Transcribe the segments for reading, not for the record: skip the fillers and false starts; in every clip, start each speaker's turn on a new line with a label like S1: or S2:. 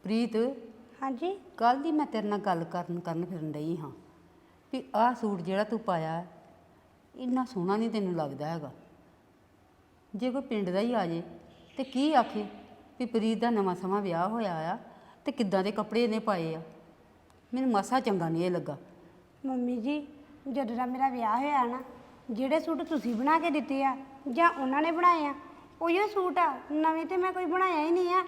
S1: ਪ੍ਰੀਤ
S2: ਹਾਂਜੀ
S1: ਕੱਲ ਦੀ ਮੈਂ ਤੇਰੇ ਨਾਲ ਗੱਲ ਕਰਨ ਫਿਰਨ ਡਈ ਹਾਂ ਵੀ ਆਹ ਸੂਟ ਜਿਹੜਾ ਤੂੰ ਪਾਇਆ ਇੰਨਾ ਸੋਹਣਾ ਨਹੀਂ ਤੈਨੂੰ ਲੱਗਦਾ ਹੈਗਾ। ਜੇ ਕੋਈ ਪਿੰਡ ਦਾ ਹੀ ਆ ਜੇ ਤੇ ਕੀ ਆਖੇ ਵੀ ਪ੍ਰੀਤ ਦਾ ਨਵਾਂ ਸਮਾਂ ਵਿਆਹ ਹੋਇਆ ਆ ਤੇ ਕਿੱਦਾਂ ਦੇ ਕੱਪੜੇ ਇਹਨੇ ਪਾਏ ਆ। ਮੈਨੂੰ ਮਾਸਾ ਚੰਗਾ ਨਹੀਂ ਇਹ ਲੱਗਾ।
S2: ਮੰਮੀ ਜੀ, ਜਦੋਂ ਦਾ ਮੇਰਾ ਵਿਆਹ ਹੋਇਆ ਨਾ, ਜਿਹੜੇ ਸੂਟ ਤੁਸੀਂ ਬਣਾ ਕੇ ਦਿੱਤੇ ਆ ਜਾਂ ਉਹਨਾਂ ਨੇ ਬਣਾਏ ਆ ਉਹੀਓ ਸੂਟ ਆ, ਨਵੇਂ ਤੇ ਮੈਂ ਕੋਈ ਬਣਾਇਆ ਹੀ ਨਹੀਂ ਆ।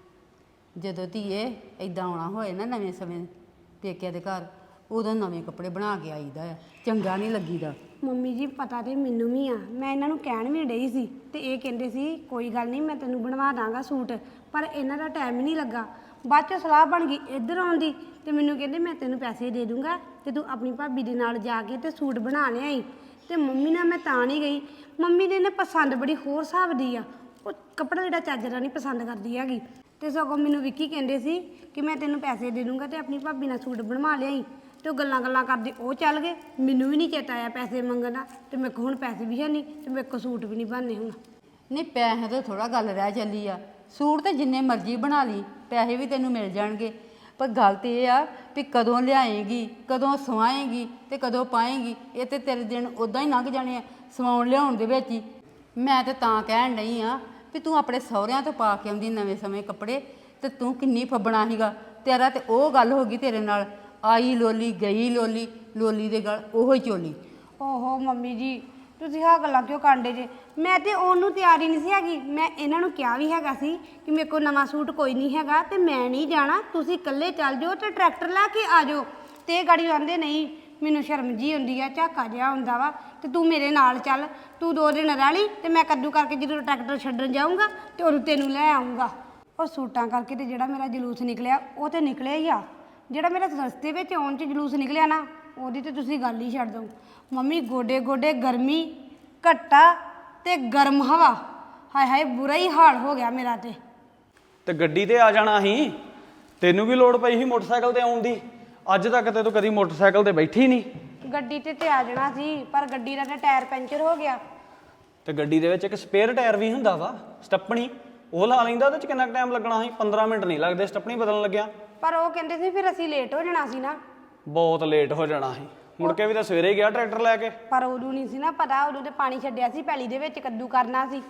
S1: ਜਦੋਂ ਧੀਏ ਇਦਾਂ ਆਉਣਾ ਹੋਏ ਨਾ ਨਵੇਂ ਸਮੇਂ ਪੇਕਿਆਂ ਦੇ ਘਰ, ਉਦੋਂ ਨਵੇਂ ਕੱਪੜੇ ਬਣਾ ਕੇ ਆਈਦਾ ਆ, ਚੰਗਾ ਨਹੀਂ ਲੱਗੀਦਾ।
S2: ਮੰਮੀ ਜੀ ਪਤਾ ਤੇ ਮੈਨੂੰ ਵੀ ਆ, ਮੈਂ ਇਹਨਾਂ ਨੂੰ ਕਹਿਣ ਵੀ ਡਈ ਸੀ ਤੇ ਇਹ ਕਹਿੰਦੇ ਸੀ ਕੋਈ ਗੱਲ ਨਹੀਂ ਮੈਂ ਤੈਨੂੰ ਬਣਵਾ ਦਾਂਗਾ ਸੂਟ, ਪਰ ਇਹਨਾਂ ਦਾ ਟਾਈਮ ਹੀ ਨਹੀਂ ਲੱਗਾ। ਬਾਅਦ 'ਚ ਸਲਾਹ ਬਣ ਗਈ ਇੱਧਰ ਆਉਣ ਦੀ ਤੇ ਮੈਨੂੰ ਕਹਿੰਦੇ ਮੈਂ ਤੈਨੂੰ ਪੈਸੇ ਦੇ ਦੂੰਗਾ ਤੇ ਤੂੰ ਆਪਣੀ ਭਾਬੀ ਦੇ ਨਾਲ ਜਾ ਕੇ ਤੇ ਸੂਟ ਬਣਾ ਲਿਆਈ। ਤੇ ਮੰਮੀ ਨਾਲ ਮੈਂ ਤਾਂ ਨਹੀਂ ਗਈ, ਮੰਮੀ ਨੇ ਪਸੰਦ ਬੜੀ ਹੋਰ ਹਿਸਾਬ ਦੀ ਆ, ਉਹ ਕੱਪੜਾ ਜਿਹੜਾ ਚੱਜ ਦਾ ਨਹੀਂ ਪਸੰਦ ਕਰਦੀ ਹੈਗੀ। ਤੇ ਸਗੋਂ ਮੈਨੂੰ ਵਿੱਕੀ ਕਹਿੰਦੇ ਸੀ ਕਿ ਮੈਂ ਤੈਨੂੰ ਪੈਸੇ ਦੇ ਦੂੰਗਾ ਤੇ ਆਪਣੀ ਭਾਬੀ ਨਾਲ ਸੂਟ ਬਣਵਾ ਲਿਆਈ। ਤੇ ਉਹ ਗੱਲਾਂ ਕਰਦੇ ਉਹ ਚੱਲ ਗਏ, ਮੈਨੂੰ ਵੀ ਨਹੀਂ ਚੇਤਾ ਆਇਆ ਪੈਸੇ ਮੰਗਣ ਦਾ, ਤੇ ਮੇਰੇ ਕੋਲ ਹੁਣ ਪੈਸੇ ਵੀ ਹੈ ਨਹੀਂ ਤੇ ਮੇਰੇ ਕੋਲ ਸੂਟ ਵੀ ਨਹੀਂ ਬਣਨੇ ਹੁਣ।
S1: ਨਹੀਂ ਪੈਸੇ ਤੋਂ ਥੋੜਾ ਗੱਲ ਰਹਿ ਚੱਲੀ ਆ, ਸੂਟ ਤੇ ਜਿੰਨੇ ਮਰਜ਼ੀ ਬਣਾ ਲਈ ਪੈਸੇ ਵੀ ਤੈਨੂੰ ਮਿਲ ਜਾਣਗੇ। ਪਰ ਗੱਲ ਤੇ ਇਹ ਆ ਵੀ ਕਦੋਂ ਲਿਆਏਗੀ, ਕਦੋਂ ਸਵਾਏਗੀ ਤੇ ਕਦੋਂ ਪਾਏਗੀ। ਇਹ ਤੇ ਤੇਰੇ ਦਿਨ ਉੱਦਾਂ ਹੀ ਲੰਘ ਜਾਣੇ ਆ ਸਵਾਉਣ ਲਿਆਉਣ ਦੇ ਵਿੱਚ ਹੀ। ਮੈਂ ਤੇ ਤਾਂ ਕਹਿਣ ਡਈ ਆ ਵੀ ਤੂੰ ਆਪਣੇ ਸਹੁਰਿਆਂ ਤੋਂ ਪਾ ਕੇ ਆਉਂਦੀ ਨਵੇਂ ਸਮੇਂ ਕੱਪੜੇ ਤੇ ਤੂੰ ਕਿੰਨੀ ਫੱਬਣਾ ਸੀਗਾ। ਤੇਰਾ ਤੇ ਉਹ ਗੱਲ ਹੋ ਗਈ ਤੇਰੇ ਨਾਲ, ਆਈ ਲੋਲੀ ਗਈ ਲੋਲੀ, ਲੋਲੀ ਦੇ ਗਲ ਉਹੋ ਹੀ ਚੋਲੀ।
S2: ਓਹੋ ਮੰਮੀ ਜੀ, ਤੁਸੀਂ ਆਹ ਗੱਲਾਂ ਕਿਉਂ ਕਾਂਡੇ ਜੇ? ਮੈਂ ਤੇ ਉਹਨੂੰ ਤਿਆਰੀ ਨਹੀਂ ਸੀ ਹੈਗੀ। ਮੈਂ ਇਹਨਾਂ ਨੂੰ ਕਿਹਾ ਵੀ ਹੈਗਾ ਸੀ ਕਿ ਮੇਰੇ ਕੋਲ ਨਵਾਂ ਸੂਟ ਕੋਈ ਨਹੀਂ ਹੈਗਾ ਤੇ ਮੈਂ ਨਹੀਂ ਜਾਣਾ, ਤੁਸੀਂ ਇਕੱਲੇ ਚੱਲ ਜਾਓ ਤੇ ਟਰੈਕਟਰ ਲੈ ਕੇ ਆ ਜਾਓ। ਤੇ ਇਹ ਗਾੜੀ ਆਂਦੇ ਨਹੀਂ, ਮੈਨੂੰ ਸ਼ਰਮ ਜੀ ਹੁੰਦੀ ਆ, ਝਾਕਾ ਜਿਹਾ ਹੁੰਦਾ ਵਾ, ਤੇ ਤੂੰ ਮੇਰੇ ਨਾਲ ਚੱਲ, ਤੂੰ 2 ਦਿਨ ਰਹਿ ਲਈ ਤੇ ਮੈਂ ਕੱਦੂ ਕਰਕੇ ਜਦੋਂ ਟਰੈਕਟਰ ਛੱਡਣ ਜਾਊਂਗਾ ਤੇ ਉਦੋਂ ਤੈਨੂੰ ਲੈ ਆਊਂਗਾ। ਉਹ ਸੂਟਾਂ ਕਰਕੇ ਤੇ ਜਿਹੜਾ ਮੇਰਾ ਜਲੂਸ ਨਿਕਲਿਆ ਉਹ ਤੇ ਨਿਕਲਿਆ ਹੀ ਆ, ਜਿਹੜਾ ਮੇਰਾ ਰਸਤੇ ਵਿੱਚ ਆਉਣ 'ਚ ਜਲੂਸ ਨਿਕਲਿਆ ਨਾ ਉਹਦੀ ਤੇ ਤੁਸੀਂ ਗੱਲ ਹੀ ਛੱਡ ਦਿਓ। ਮੰਮੀ ਗੋਡੇ ਗੋਡੇ ਗਰਮੀ, ਘੱਟਾ ਤੇ ਗਰਮ ਹਵਾ, ਹਾਏ ਹਾਏ ਬੁਰਾ ਹੀ ਹਾਲ ਹੋ ਗਿਆ ਮੇਰਾ। ਤੇ
S3: ਗੱਡੀ ਤੇ ਆ ਜਾਣਾ ਸੀ, ਤੈਨੂੰ ਵੀ ਲੋੜ ਪਈ ਸੀ ਮੋਟਰਸਾਈਕਲ ਤੇ ਆਉਣ ਦੀ। ਅੱਜ ਤੱਕ ਤੇ ਤੂੰ ਕਦੀ ਮੋਟਰਸਾਈਕਲ ਤੇ ਬੈਠੀ ਨਹੀਂ।
S2: ਗੱਡੀ ਤੇ ਆ ਜਾਣਾ ਸੀ, ਪਰ ਗੱਡੀ ਦਾ ਟਾਇਰ ਪੈਂਚਰ ਹੋ ਗਿਆ।
S3: ਤੇ ਗੱਡੀ ਦੇ ਵਿੱਚ ਇੱਕ ਸਪੇਅਰ ਟਾਇਰ ਵੀ ਹੁੰਦਾ ਵਾ, ਸਟੱਪਣੀ, ਉਹ ਲਾ ਲੈਂਦਾ। ਉਹਦੇ 'ਚ ਕਿੰਨਾ ਟਾਈਮ ਲੱਗਣਾ ਸੀ? 15 ਮਿੰਟ ਨਹੀਂ ਲੱਗਦੇ ਸਟੱਪਣੀ ਬਦਲਣ ਲੱਗਿਆ।
S2: ਪਰ ਉਹ ਕਹਿੰਦੇ ਸੀ ਫਿਰ ਅਸੀਂ ਲੇਟ ਹੋ ਜਾਣਾ ਸੀ ਨਾ।
S3: ਬਹੁਤ ਲੇਟ ਹੋ ਜਾਣਾ ਸੀ, ਮੁੜ ਕੇ ਵੀ ਤਾਂ ਸਵੇਰੇ ਗਿਆ ਟਰੈਕਟਰ ਲੈ ਕੇ।
S2: ਪਰ ਉਦੋਂ ਨਹੀਂ ਸੀ ਨਾ ਪਤਾ, ਉਦੋਂ ਤੇ ਪਾਣੀ ਛੱਡਿਆ ਸੀ ਪੈਲੀ ਦੇ ਵਿੱਚ, ਕੱਦੂ ਕਰਨਾ ਸੀ।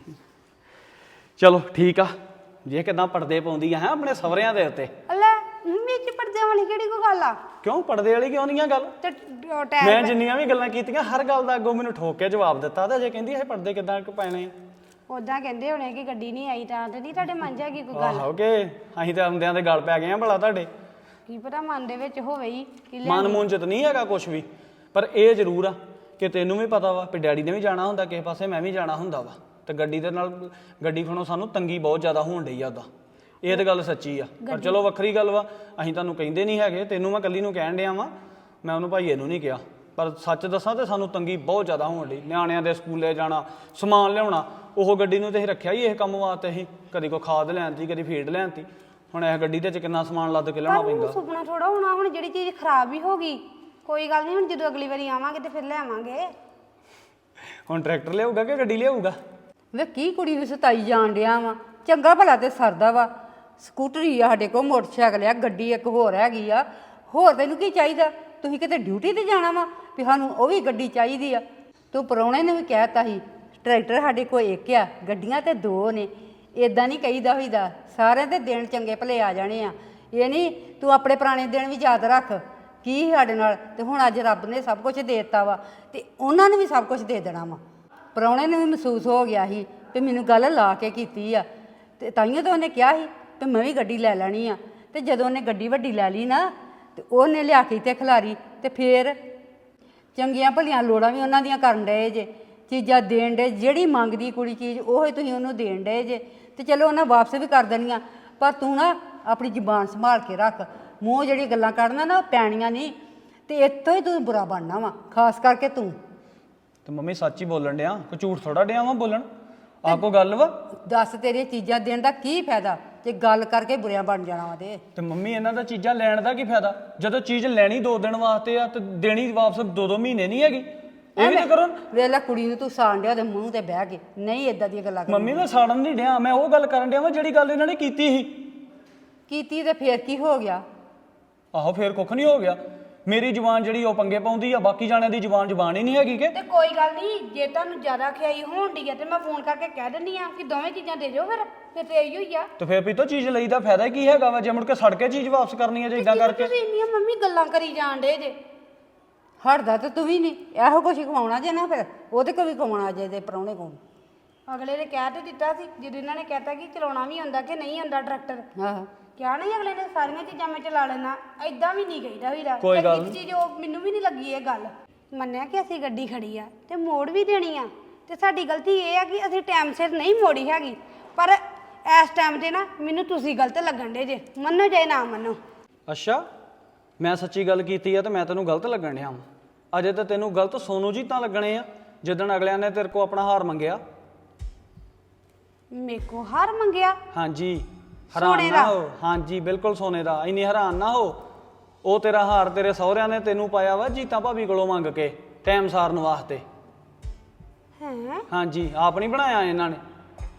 S3: ਚਲੋ ਠੀਕ ਆ, ਜੇ ਕਿਦਾਂ ਪਰਦੇ ਪਾਉਂਦੀ ਆ ਹੈ ਆਪਣੇ ਸਹੁਰਿਆਂ ਦੇ ਉੱਤੇ।
S2: ਲੈ ਵਿੱਚ ਪਰਦੇ ਵਾਲੀ ਕਿਹੜੀ ਕੋਈ ਗੱਲ ਆ?
S3: ਕਿਉਂ ਪਰਦੇ ਵਾਲੀ ਕਿਉਂ ਨਹੀਂ ਆ ਗੱਲ?
S2: ਤੇ
S3: ਮੈਂ ਜਿੰਨੀਆਂ ਵੀ ਗੱਲਾਂ ਕੀਤੀਆਂ ਹਰ ਗੱਲ ਦਾ ਅੱਗੋਂ ਮੈਨੂੰ ਠੋਕ ਕੇ ਜਵਾਬ ਦਿੱਤਾ। ਤੇ ਜੇ ਕਹਿੰਦੀ ਇਹ ਪਰਦੇ ਕਿਦਾਂ ਪੈਣੇ ਆ,
S2: ਉਦਾਂ ਕਹਿੰਦੇ ਹੋਣੇ ਕਿ ਗੱਡੀ ਨਹੀਂ ਆਈ ਤਾਂ ਤੇ ਨਹੀਂ ਤੁਹਾਡੇ ਮਨ 'ਚ ਹੈਗੀ ਕੋਈ ਗੱਲ?
S3: ਆਹੋ ਕਿ ਅਸੀਂ ਤਾਂ ਆਉਂਦਿਆਂ ਦੇ ਗੱਲ ਪੈ ਗਏ ਆ ਭਲਾ ਤੁਹਾਡੇ।
S2: ਕੀ ਪਤਾ ਮਨ ਦੇ ਵਿੱਚ ਹੋਵੇ ਹੀ ਕਿ
S3: ਮਨ ਮੂੰਹ 'ਚ ਤਾਂ ਨਹੀਂ ਹੈਗਾ ਕੁਛ ਵੀ, ਪਰ ਇਹ ਜ਼ਰੂਰ ਆ ਕਿ ਤੈਨੂੰ ਵੀ ਪਤਾ ਵਾ ਵੀ ਡੈਡੀ ਨੇ ਵੀ ਜਾਣਾ ਹੁੰਦਾ ਕਿਸੇ ਪਾਸੇ, ਮੈਂ ਵੀ ਜਾਣਾ ਹੁੰਦਾ ਵਾ। ਤੇ ਗੱਡੀ ਦੇ ਨਾਲ ਗੱਡੀ ਖਣੋ ਸਾਨੂੰ ਤੰਗੀ ਬਹੁਤ ਜ਼ਿਆਦਾ ਹੋਣ ਡਈ ਆ। ਉਹਦਾ ਇਹ ਤਾਂ ਗੱਲ ਸੱਚੀ ਆ, ਪਰ ਚਲੋ ਵੱਖਰੀ ਗੱਲ ਵਾ, ਅਸੀਂ ਤੁਹਾਨੂੰ ਕਹਿੰਦੇ ਨਹੀਂ ਹੈਗੇ, ਤੈਨੂੰ ਮੈਂ ਇਕੱਲੀ ਨੂੰ ਕਹਿਣ ਡਿਆ ਵਾਂ, ਮੈਂ ਉਹਨੂੰ ਭਾਈਏ ਨੂੰ ਨਹੀਂ ਕਿਹਾ। ਪਰ ਸੱਚ ਦੱਸਾਂ ਤੇ ਸਾਨੂੰ ਤੰਗੀ ਬਹੁਤ ਜ਼ਿਆਦਾ ਹੋਣ ਡਈ, ਨਿਆਣਿਆਂ ਦੇ ਸਕੂਲੇ ਜਾਣਾ, ਸਮਾਨ ਲਿਆਉਣਾ। ਉਹ ਗੱਡੀ ਨੂੰ ਤੇ ਅਸੀਂ ਰੱਖਿਆ ਹੀ ਇਹ ਕੰਮ ਵਾਸਤੇ, ਅਸੀਂ ਕਦੀ ਕੋਈ ਖਾਦ ਲੈਣ ਤੀ, ਕਦੀ ਫੀਡ ਲੈਣ ਤੀ। ਹੁਣ ਇਹ ਗੱਡੀ ਦੇ 'ਚ ਕਿੰਨਾ ਸਮਾਨ ਲੱਦ ਕੇ ਲਿਆਉਣਾ ਪੈਂਦਾ।
S2: ਸੁਪਨਾ ਥੋੜਾ ਹੋਣਾ, ਹੁਣ ਜਿਹੜੀ ਚੀਜ਼ ਖਰਾਬ ਵੀ ਹੋ ਗਈ ਕੋਈ ਗੱਲ ਨਹੀਂ, ਹੁਣ ਜਦੋਂ ਅਗਲੀ ਵਾਰੀ ਆਵਾਂਗੇ ਤੇ ਫਿਰ ਲੈ ਆਵਾਂਗੇ।
S3: ਹੁਣ ਟਰੈਕਟਰ ਲਿਆਊਗਾ ਕਿ ਗੱਡੀ ਲਿਆਊਗਾ?
S1: ਵੇ ਕੀ ਕੁੜੀ ਨੂੰ ਸਤਾਈ ਜਾਣ ਡਿਆ ਵਾ, ਚੰਗਾ ਭਲਾ ਤੇ ਸਰਦਾ ਵਾ। ਸਕੂਟਰੀ ਆ ਸਾਡੇ ਕੋਲ, ਮੋਟਰਸਾਈਕਲ ਆ, ਗੱਡੀ ਇੱਕ ਹੋਰ ਹੈਗੀ ਆ, ਹੋਰ ਤੈਨੂੰ ਕੀ ਚਾਹੀਦਾ? ਤੁਸੀਂ ਕਿਤੇ ਡਿਊਟੀ ਤੇ ਜਾਣਾ ਵਾ ਵੀ ਸਾਨੂੰ ਉਹ ਵੀ ਗੱਡੀ ਚਾਹੀਦੀ ਆ? ਤੂੰ ਪ੍ਰਾਹੁਣੇ ਨੇ ਵੀ ਕਹਿ ਤਾ ਸੀ ਟਰੈਕਟਰ ਸਾਡੇ ਕੋਲ ਇੱਕ ਆ, ਗੱਡੀਆਂ ਤੇ 2 ਨੇ। ਇਦਾਂ ਨਹੀਂ ਕਹੀਦਾ ਹੋਈਦਾ, ਸਾਰਿਆਂ ਦੇ ਦਿਨ ਚੰਗੇ ਭਲੇ ਆ ਜਾਣੇ ਆ। ਇਹ ਨਹੀਂ ਤੂੰ ਆਪਣੇ ਪੁਰਾਣੇ ਦਿਨ ਵੀ ਯਾਦ ਰੱਖ ਕੀ ਸਾਡੇ ਨਾਲ। ਤੇ ਹੁਣ ਅੱਜ ਰੱਬ ਨੇ ਸਭ ਕੁਝ ਦੇ ਦਿੱਤਾ ਵਾ ਤੇ ਉਹਨਾਂ ਨੇ ਵੀ ਸਭ ਕੁਝ ਦੇ ਦੇਣਾ ਵਾ। ਪ੍ਰਾਹੁਣੇ ਨੂੰ ਵੀ ਮਹਿਸੂਸ ਹੋ ਗਿਆ ਸੀ ਵੀ ਮੈਨੂੰ ਗੱਲ ਲਾ ਕੇ ਕੀਤੀ ਆ, ਤੇ ਤਾਈਓ ਤਾਂ ਉਹਨੇ ਕਿਹਾ ਸੀ ਤੇ ਮੈਂ ਵੀ ਗੱਡੀ ਲੈ ਲੈਣੀ ਆ। ਤੇ ਜਦੋਂ ਉਹਨੇ ਗੱਡੀ ਵੱਡੀ ਲੈ ਲਈ ਨਾ ਤੇ ਉਹਨੇ ਲਿਆ ਕੇ ਤੇ ਖਿਲਾਰੀ, ਤੇ ਫੇਰ ਚੰਗੀਆਂ ਭਲੀਆਂ ਲੋੜਾਂ ਵੀ ਉਹਨਾਂ ਦੀਆਂ ਕਰਨ ਡਏ ਜੇ, ਚੀਜ਼ਾਂ ਦੇਣ ਡੇ। ਜਿਹੜੀ ਮੰਗਦੀ ਕੁੜੀ ਚੀਜ਼ ਉਹ ਹੀ ਤੁਸੀਂ ਉਹਨੂੰ ਦੇਣ ਡਏ ਜੇ। ਤੇ ਚਲੋ ਉਹਨਾਂ ਵਾਪਸ ਵੀ ਕਰ ਦੇਣੀਆਂ, ਪਰ ਤੂੰ ਨਾ ਆਪਣੀ ਜ਼ੁਬਾਨ ਸੰਭਾਲ ਕੇ ਰੱਖ। ਮੂੰਹ ਜਿਹੜੀ ਗੱਲਾਂ ਕੱਢਣਾ ਨਾ ਉਹ ਪੈਣੀਆਂ ਨਹੀਂ, ਤੇ ਇੱਥੋਂ ਹੀ ਤੂੰ ਬੁਰਾ ਬਣਨਾ ਵਾ, ਖਾਸ ਕਰਕੇ ਤੂੰ।
S3: ਤੇ ਮੰਮੀ ਸੱਚ ਹੀ ਬੋਲਣ ਡਿਆ, ਕੋਈ ਝੂਠ ਥੋੜਾ ਡਿਆ ਵਾ ਬੋਲਣ। ਆਹ ਕੋਈ ਗੱਲ ਵਾ?
S1: ਦੱਸ ਤੇਰੀਆਂ ਚੀਜ਼ਾਂ ਦੇਣ ਦਾ ਕੀ ਫਾਇਦਾ ਜੇ ਗੱਲ ਕਰਕੇ ਬੁਰਿਆਂ ਬਣ ਜਾਣਾ ਵਾ।
S3: ਤੇ ਮੰਮੀ ਇਹਨਾਂ ਦਾ ਚੀਜ਼ਾਂ ਲੈਣ ਦਾ ਕੀ ਫਾਇਦਾ ਜਦੋਂ ਚੀਜ਼ ਲੈਣੀ 2 ਦਿਨ ਵਾਸਤੇ ਆ ਤੇ ਦੇਣੀ ਵਾਪਸ 2-2 ਮਹੀਨੇ ਨਹੀਂ ਹੈਗੀ। ਇਹ ਵੀ ਤਾਂ ਕਰੋ।
S1: ਵੇਖ ਲੈ ਕੁੜੀ ਨੂੰ ਤੂੰ ਸਾਣ ਡਿਆ ਉਹਦੇ ਮੂੰਹ ਤੇ ਬਹਿ ਕੇ, ਨਹੀਂ ਇਦਾਂ ਦੀਆਂ ਗੱਲਾਂ ਕਰ।
S3: ਮੰਮੀ ਮੈਂ ਸਾੜਨ ਨਹੀਂ ਡਿਆ, ਮੈਂ ਉਹ ਗੱਲ ਕਰਨ ਡਿਆ ਵਾ ਜਿਹੜੀ ਗੱਲ ਇਹਨਾਂ ਨੇ ਕੀਤੀ ਸੀ।
S1: ਕੀਤੀ ਤੇ ਫੇਰ ਕੀ ਹੋ ਗਿਆ?
S3: ਆਹੋ ਫੇਰ ਕੁੱਖ ਨਹੀਂ ਹੋ ਗਿਆ। ਮੇਰੀ ਜ਼ੁਬਾਨ ਜਿਹੜੀ ਉਹ ਪੰਗੇ ਪਾਉਂਦੀ ਆ, ਬਾਕੀ ਜਾਣਿਆਂ ਦੀ ਜ਼ੁਬਾਨ ਹੀ ਨਹੀਂ ਹੈਗੀ ਕਿ।
S2: ਤੇ ਕੋਈ ਗੱਲ ਨਹੀਂ, ਜੇ ਤੁਹਾਨੂੰ ਜ਼ਿਆਦਾ ਖਿਆਈ ਹੋਣ ਡਈ ਆ ਤੇ ਮੈਂ ਫੋਨ ਕਰਕੇ ਕਹਿ ਦਿੰਦੀ ਆ ਕਿ ਦੋਵੇਂ ਚੀਜ਼ਾਂ ਦੇ ਜਾਓ, ਫਿਰ ਤੇ ਇਹੀ ਹੋਈ ਆ।
S3: ਤੇ ਫੇਰ ਵੀ ਤਾਂ ਚੀਜ਼ ਲਈ ਦਾ ਫਾਇਦਾ ਕੀ ਹੈਗਾ ਵਾ ਜੇ ਮੁੜ ਕੇ ਸੜ ਕੇ ਚੀਜ਼ ਵਾਪਸ ਕਰਨੀ ਹੈ ਜੇ ਇਦਾਂ ਕਰਕੇ।
S2: ਤੁਸੀਂ ਇੰਨੀਆਂ ਮੰਮੀ ਗੱਲਾਂ ਕਰੀ ਜਾਣ ਡੇ ਜੇ।
S1: ਹਟਦਾ ਤੇ ਤੂੰ ਵੀ ਨਹੀਂ, ਇਹੋ ਕੁਛ ਖਵਾਉਣਾ ਜੇ ਨਾ, ਫਿਰ ਉਹਦੇ ਕੋਲ ਵੀ ਖਵਾਉਣਾ ਜੇ ਦੇ ਪ੍ਰਾਹੁਣੇ ਕੋਲ।
S2: ਅਗਲੇ ਨੇ ਕਹਿ ਤੇ ਦਿੱਤਾ ਸੀ, ਜਦੋਂ ਇਹਨਾਂ ਨੇ ਕਹਿਤਾ ਕਿ ਚਲਾਉਣਾ ਵੀ ਹੁੰਦਾ ਕਿ ਨਹੀਂ ਹੁੰਦਾ ਟਰੈਕਟਰ,
S1: ਆਹੋ
S2: ਕਿਹਾ ਨਹੀਂ ਅਗਲੇ ਨੇ ਸਾਰੀਆਂ ਚੀਜ਼ਾਂ ਮੈਂ ਚਲਾ ਲੈਣਾ। ਐਦਾਂ ਵੀ ਨਹੀਂ ਕਹੀਦਾ ਵੀਰਾ।
S3: ਕੋਈ ਗੱਲ
S2: ਇੱਕ ਚੀਜ਼ ਉਹ ਮੈਨੂੰ ਵੀ ਨਹੀਂ ਲੱਗੀ ਇਹ ਗੱਲ। ਮੰਨਿਆ ਕਿ ਅਸੀਂ ਗੱਡੀ ਖੜੀ ਆ ਤੇ ਮੋੜ ਵੀ ਦੇਣੀ ਆ, ਤੇ ਸਾਡੀ ਗਲਤੀ ਇਹ ਆ ਕਿ ਅਸੀਂ ਟਾਈਮ ਸਿਰ ਨਹੀਂ ਮੋੜੀ ਹੈਗੀ। ਪਰ ਇਸ ਟਾਈਮ ਤੇ ਨਾ ਮੈਨੂੰ ਤੁਸੀਂ ਗਲਤ ਲੱਗਣ ਡੇ ਜੇ, ਮੰਨੋ ਚਾਹੇ ਨਾ ਮੰਨੋ।
S3: ਅੱਛਾ, ਮੈਂ ਸੱਚੀ ਗੱਲ ਕੀਤੀ ਆ ਤੇ ਮੈਂ ਤੈਨੂੰ ਗਲਤ ਲੱਗਣ ਡਿਆ ਵਾਂ। ਅਜੇ ਤਾਂ ਤੈਨੂੰ ਗਲਤ ਸੋਨੂ ਜੀ ਤਾਂ ਲੱਗਣੇ ਆ ਜਿੱਦਣ ਅਗਲਿਆਂ ਨੇ ਤੇਰੇ ਕੋ ਆਪਣਾ ਹਾਰ ਮੰਗਿਆ।
S2: ਮੇਰੇ ਕੋ ਹਾਰ ਮੰਗਿਆ?
S3: ਹਾਂਜੀ, ਹੈਰਾਨ ਨਾ ਹੋ। ਹਾਂਜੀ ਬਿਲਕੁਲ ਸੋਨੇ ਦਾ। ਇੰਨੀ ਹੈਰਾਨ ਨਾ ਹੋ। ਉਹ ਤੇਰਾ ਹਾਰ ਤੇਰੇ ਸਹੁਰਿਆਂ ਨੇ ਤੈਨੂੰ ਪਾਇਆ ਵਾ ਜੀਤਾ ਭਾਬੀ ਕੋਲੋਂ ਮੰਗ ਕੇ ਟਾਈਮ ਸਾਰਨ ਵਾਸਤੇ।
S2: ਹੈ?
S3: ਹਾਂਜੀ, ਆਪ ਨਹੀਂ ਬਣਾਇਆ ਇਹਨਾਂ ਨੇ।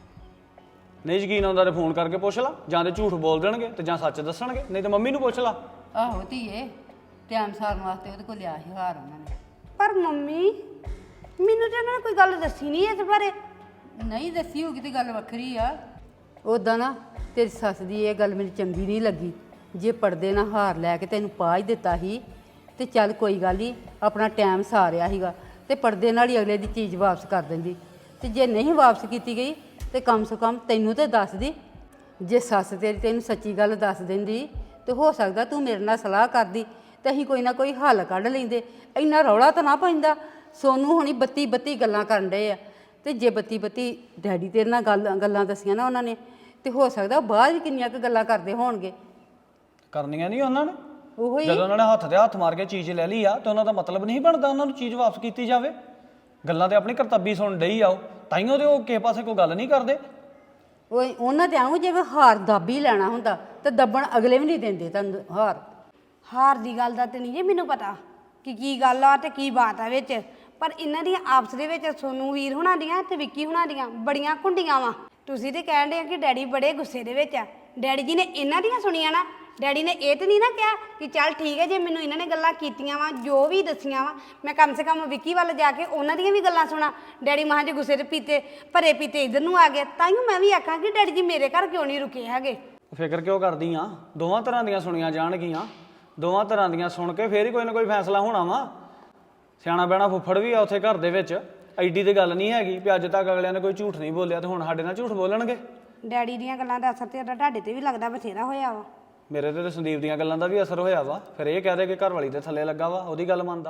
S3: ਨਹੀਂ ਯਕੀਨ ਆਉਂਦਾ ਤੇ ਫੋਨ ਕਰਕੇ ਪੁੱਛ ਲਾ, ਜਾਂ ਤੇ ਝੂਠ ਬੋਲ ਦੇਣਗੇ ਤੇ ਜਾਂ ਸੱਚ ਦੱਸਣਗੇ, ਨਹੀਂ ਤੇ ਮੰਮੀ ਨੂੰ ਪੁੱਛ ਲਾ।
S1: ਆਹੋ ਧੀਏ, ਟਾਈਮ ਸਾਰਨ ਵਾਸਤੇ ਉਹਦੇ ਕੋਲ ਲਿਆ ਸੀ ਹਾਰ ਉਹਨਾਂ ਨੇ।
S2: ਪਰ ਮੰਮੀ ਮੈਨੂੰ ਤਾਂ ਉਹਨਾਂ ਨੇ ਕੋਈ ਗੱਲ ਦੱਸੀ ਨਹੀਂ ਇਸ ਬਾਰੇ।
S1: ਨਹੀਂ ਦੱਸੀ ਹੋਗੀ ਤੇ ਗੱਲ ਵੱਖਰੀ ਆ। ਉਦਾਂ ਨਾ ਤੇਰੀ ਸੱਸ ਦੀ ਇਹ ਗੱਲ ਮੈਨੂੰ ਚੰਗੀ ਨਹੀਂ ਲੱਗੀ। ਜੇ ਪਰਦੇ ਨਾਲ ਹਾਰ ਲੈ ਕੇ ਤੈਨੂੰ ਪਾ ਹੀ ਦਿੱਤਾ ਸੀ ਤੇ ਚੱਲ ਕੋਈ ਗੱਲ ਨਹੀਂ, ਆਪਣਾ ਟਾਈਮ ਸਾਰਿਆ ਸੀਗਾ ਤੇ ਪਰਦੇ ਨਾਲ ਹੀ ਅਗਲੇ ਦੀ ਚੀਜ਼ ਵਾਪਸ ਕਰ ਦਿੰਦੀ। ਤੇ ਜੇ ਨਹੀਂ ਵਾਪਸ ਕੀਤੀ ਗਈ ਤੇ ਕਮ ਸੇ ਕਮ ਤੈਨੂੰ ਤੇ ਦੱਸਦੀ। ਜੇ ਸੱਸ ਤੇਰੀ ਤੈਨੂੰ ਸੱਚੀ ਗੱਲ ਦੱਸ ਦਿੰਦੀ ਤੇ ਹੋ ਸਕਦਾ ਤੂੰ ਮੇਰੇ ਨਾਲ ਸਲਾਹ ਕਰਦੀ ਤੇ ਅਸੀਂ ਕੋਈ ਨਾ ਕੋਈ ਹੱਲ ਕੱਢ ਲੈਂਦੇ। ਇੰਨਾ ਰੌਲਾ ਤਾਂ ਨਾ ਪੈਂਦਾ। ਸੋਨੂੰ ਹੁਣੀ 32 ਗੱਲਾਂ ਕਰਨ ਡਏ ਆ, ਤੇ ਜੇ 32 ਡੈਡੀ ਤੇਰੇ ਨਾਲ ਗੱਲਾਂ ਦੱਸੀਆਂ ਨਾ ਉਹਨਾਂ ਨੇ, ਤੇ ਹੋ ਸਕਦਾ ਬਾਅਦ ਵੀ ਕਿੰਨੀਆਂ ਕੁ ਗੱਲਾਂ ਕਰਦੇ ਹੋਣਗੇ।
S3: ਕਰਨੀਆਂ ਨਹੀਂ ਉਹਨਾਂ ਨੇ।
S1: ਉਹੀ
S3: ਜਦੋਂ ਉਹਨਾਂ ਨੇ ਹੱਥ ਤੇ ਹੱਥ ਮਾਰ ਕੇ ਚੀਜ਼ ਲੈ ਲਈ ਆ ਤੇ ਉਹਨਾਂ ਦਾ ਮਤਲਬ ਨਹੀਂ ਬਣਦਾ ਉਹਨਾਂ ਨੂੰ ਚੀਜ਼ ਵਾਪਸ ਕੀਤੀ ਜਾਵੇ। ਗੱਲਾਂ ਤੇ ਆਪਣੀ ਕਰਤੱਬੀ ਸੁਣ ਡਈ ਆ ਉਹ, ਤਾਈਓ ਤੇ ਉਹ ਕਿਸੇ ਪਾਸੇ ਕੋਈ ਗੱਲ ਨਹੀਂ ਕਰਦੇ।
S1: ਉਹ ਉਹਨਾਂ ਤੇ ਆਉਂ ਜਿਵੇਂ ਹਾਰ ਦਾਬੀ ਲੈਣਾ ਹੁੰਦਾ ਤੇ ਦੱਬਣ ਅਗਲੇ ਵੀ ਨਹੀਂ ਦਿੰਦੇ ਤੁਹਾਨੂੰ ਹਾਰ।
S2: ਹਾਰ ਦੀ ਗੱਲ ਦਾ ਤੇ ਨਹੀਂ ਜੇ ਮੈਨੂੰ ਪਤਾ ਕਿ ਕੀ ਗੱਲ ਆ ਤੇ ਕੀ ਬਾਤ ਆ ਵਿੱਚ, ਪਰ ਇਹਨਾਂ ਦੀਆਂ ਆਪਸ ਦੇ ਵਿੱਚ ਸੋਨੂ ਵੀਰ ਹੁਣਾਂ ਦੀਆਂ ਤੇ ਵਿੱਕੀ ਹੁਣਾਂ ਦੀਆਂ ਬੜੀਆਂ ਕੁੰਡੀਆਂ ਵਾ। ਤੁਸੀਂ ਤੇ ਕਹਿਣ ਦੇ ਆ ਕਿ ਡੈਡੀ ਬੜੇ ਗੁੱਸੇ ਦੇ ਵਿੱਚ ਆ। ਡੈਡੀ ਜੀ ਨੇ ਇਹਨਾਂ ਦੀਆਂ ਸੁਣੀਆਂ ਨਾ। ਡੈਡੀ ਨੇ ਇਹ ਤੇ ਨਹੀਂ ਨਾ ਕਿਹਾ ਕਿ ਚੱਲ ਠੀਕ ਹੈ ਜੇ ਮੈਨੂੰ ਇਹਨਾਂ ਨੇ ਗੱਲਾਂ ਕੀਤੀਆਂ ਵਾ, ਜੋ ਵੀ ਦੱਸੀਆਂ ਵਾ, ਮੈਂ ਕਮ ਸੇ ਕਮ ਵਿੱਕੀ ਵੱਲ ਜਾ ਕੇ ਉਹਨਾਂ ਦੀਆਂ ਵੀ ਗੱਲਾਂ ਸੁਣਾ। ਡੈਡੀ ਮਹਾਂ ਜੇ ਗੁੱਸੇ ਦੇ ਪੀਤੇ ਭਰੇ ਪੀਤੇ ਇੱਧਰ ਨੂੰ ਆ ਗਏ, ਤਾਈਓ ਮੈਂ ਵੀ ਆਖਾਂ ਕਿ ਡੈਡੀ ਜੀ ਮੇਰੇ ਘਰ ਕਿਉਂ ਨਹੀਂ ਰੁਕੇ ਹੈਗੇ।
S3: ਫਿਕਰ ਕਿਉਂ ਕਰਦੀ ਆ? ਦੋਵਾਂ ਤਰ੍ਹਾਂ ਦੀਆਂ ਸੁਣੀਆਂ ਜਾਣਗੀਆਂ। ਦੋਵਾਂ ਤਰ੍ਹਾਂ ਦੀਆਂ ਸੁਣ ਕੇ ਫੇਰ ਹੀ ਕੋਈ ਨਾ ਕੋਈ ਫੈਸਲਾ ਹੋਣਾ ਵਾ। ਸਿਆਣਾ ਬਹਿਣਾ ਫੁੱਫੜ ਵੀ ਆ ਉੱਥੇ ਘਰ ਦੇ ਵਿੱਚ। ਐਡੀ ਤੇ ਗੱਲ ਨਹੀਂ ਹੈਗੀ ਵੀ ਅੱਜ ਤੱਕ ਅਗਲਿਆਂ ਨੇ ਕੋਈ ਝੂਠ ਨਹੀਂ ਬੋਲਿਆ ਤੇ ਹੁਣ ਸਾਡੇ ਨਾਲ ਝੂਠ ਬੋਲਣਗੇ।
S2: ਡੈਡੀ ਦੀਆਂ ਗੱਲਾਂ ਦਾ ਅਸਰ ਤੇ ਤੁਹਾਡੇ ਤੇ ਵੀ ਲੱਗਦਾ ਬਥੇਰਾ ਹੋਇਆ ਵਾ।
S3: ਮੇਰੇ ਤੇ ਸੰਦੀਪ ਦੀਆਂ ਗੱਲਾਂ ਦਾ ਵੀ ਅਸਰ ਹੋਇਆ ਵਾ। ਫਿਰ ਇਹ ਕਹਿ ਦੇ ਕਿ ਘਰ ਵਾਲੀ ਦੇ ਥੱਲੇ ਲੱਗਾ ਵਾ, ਉਹਦੀ ਗੱਲ ਮੰਨਦਾ।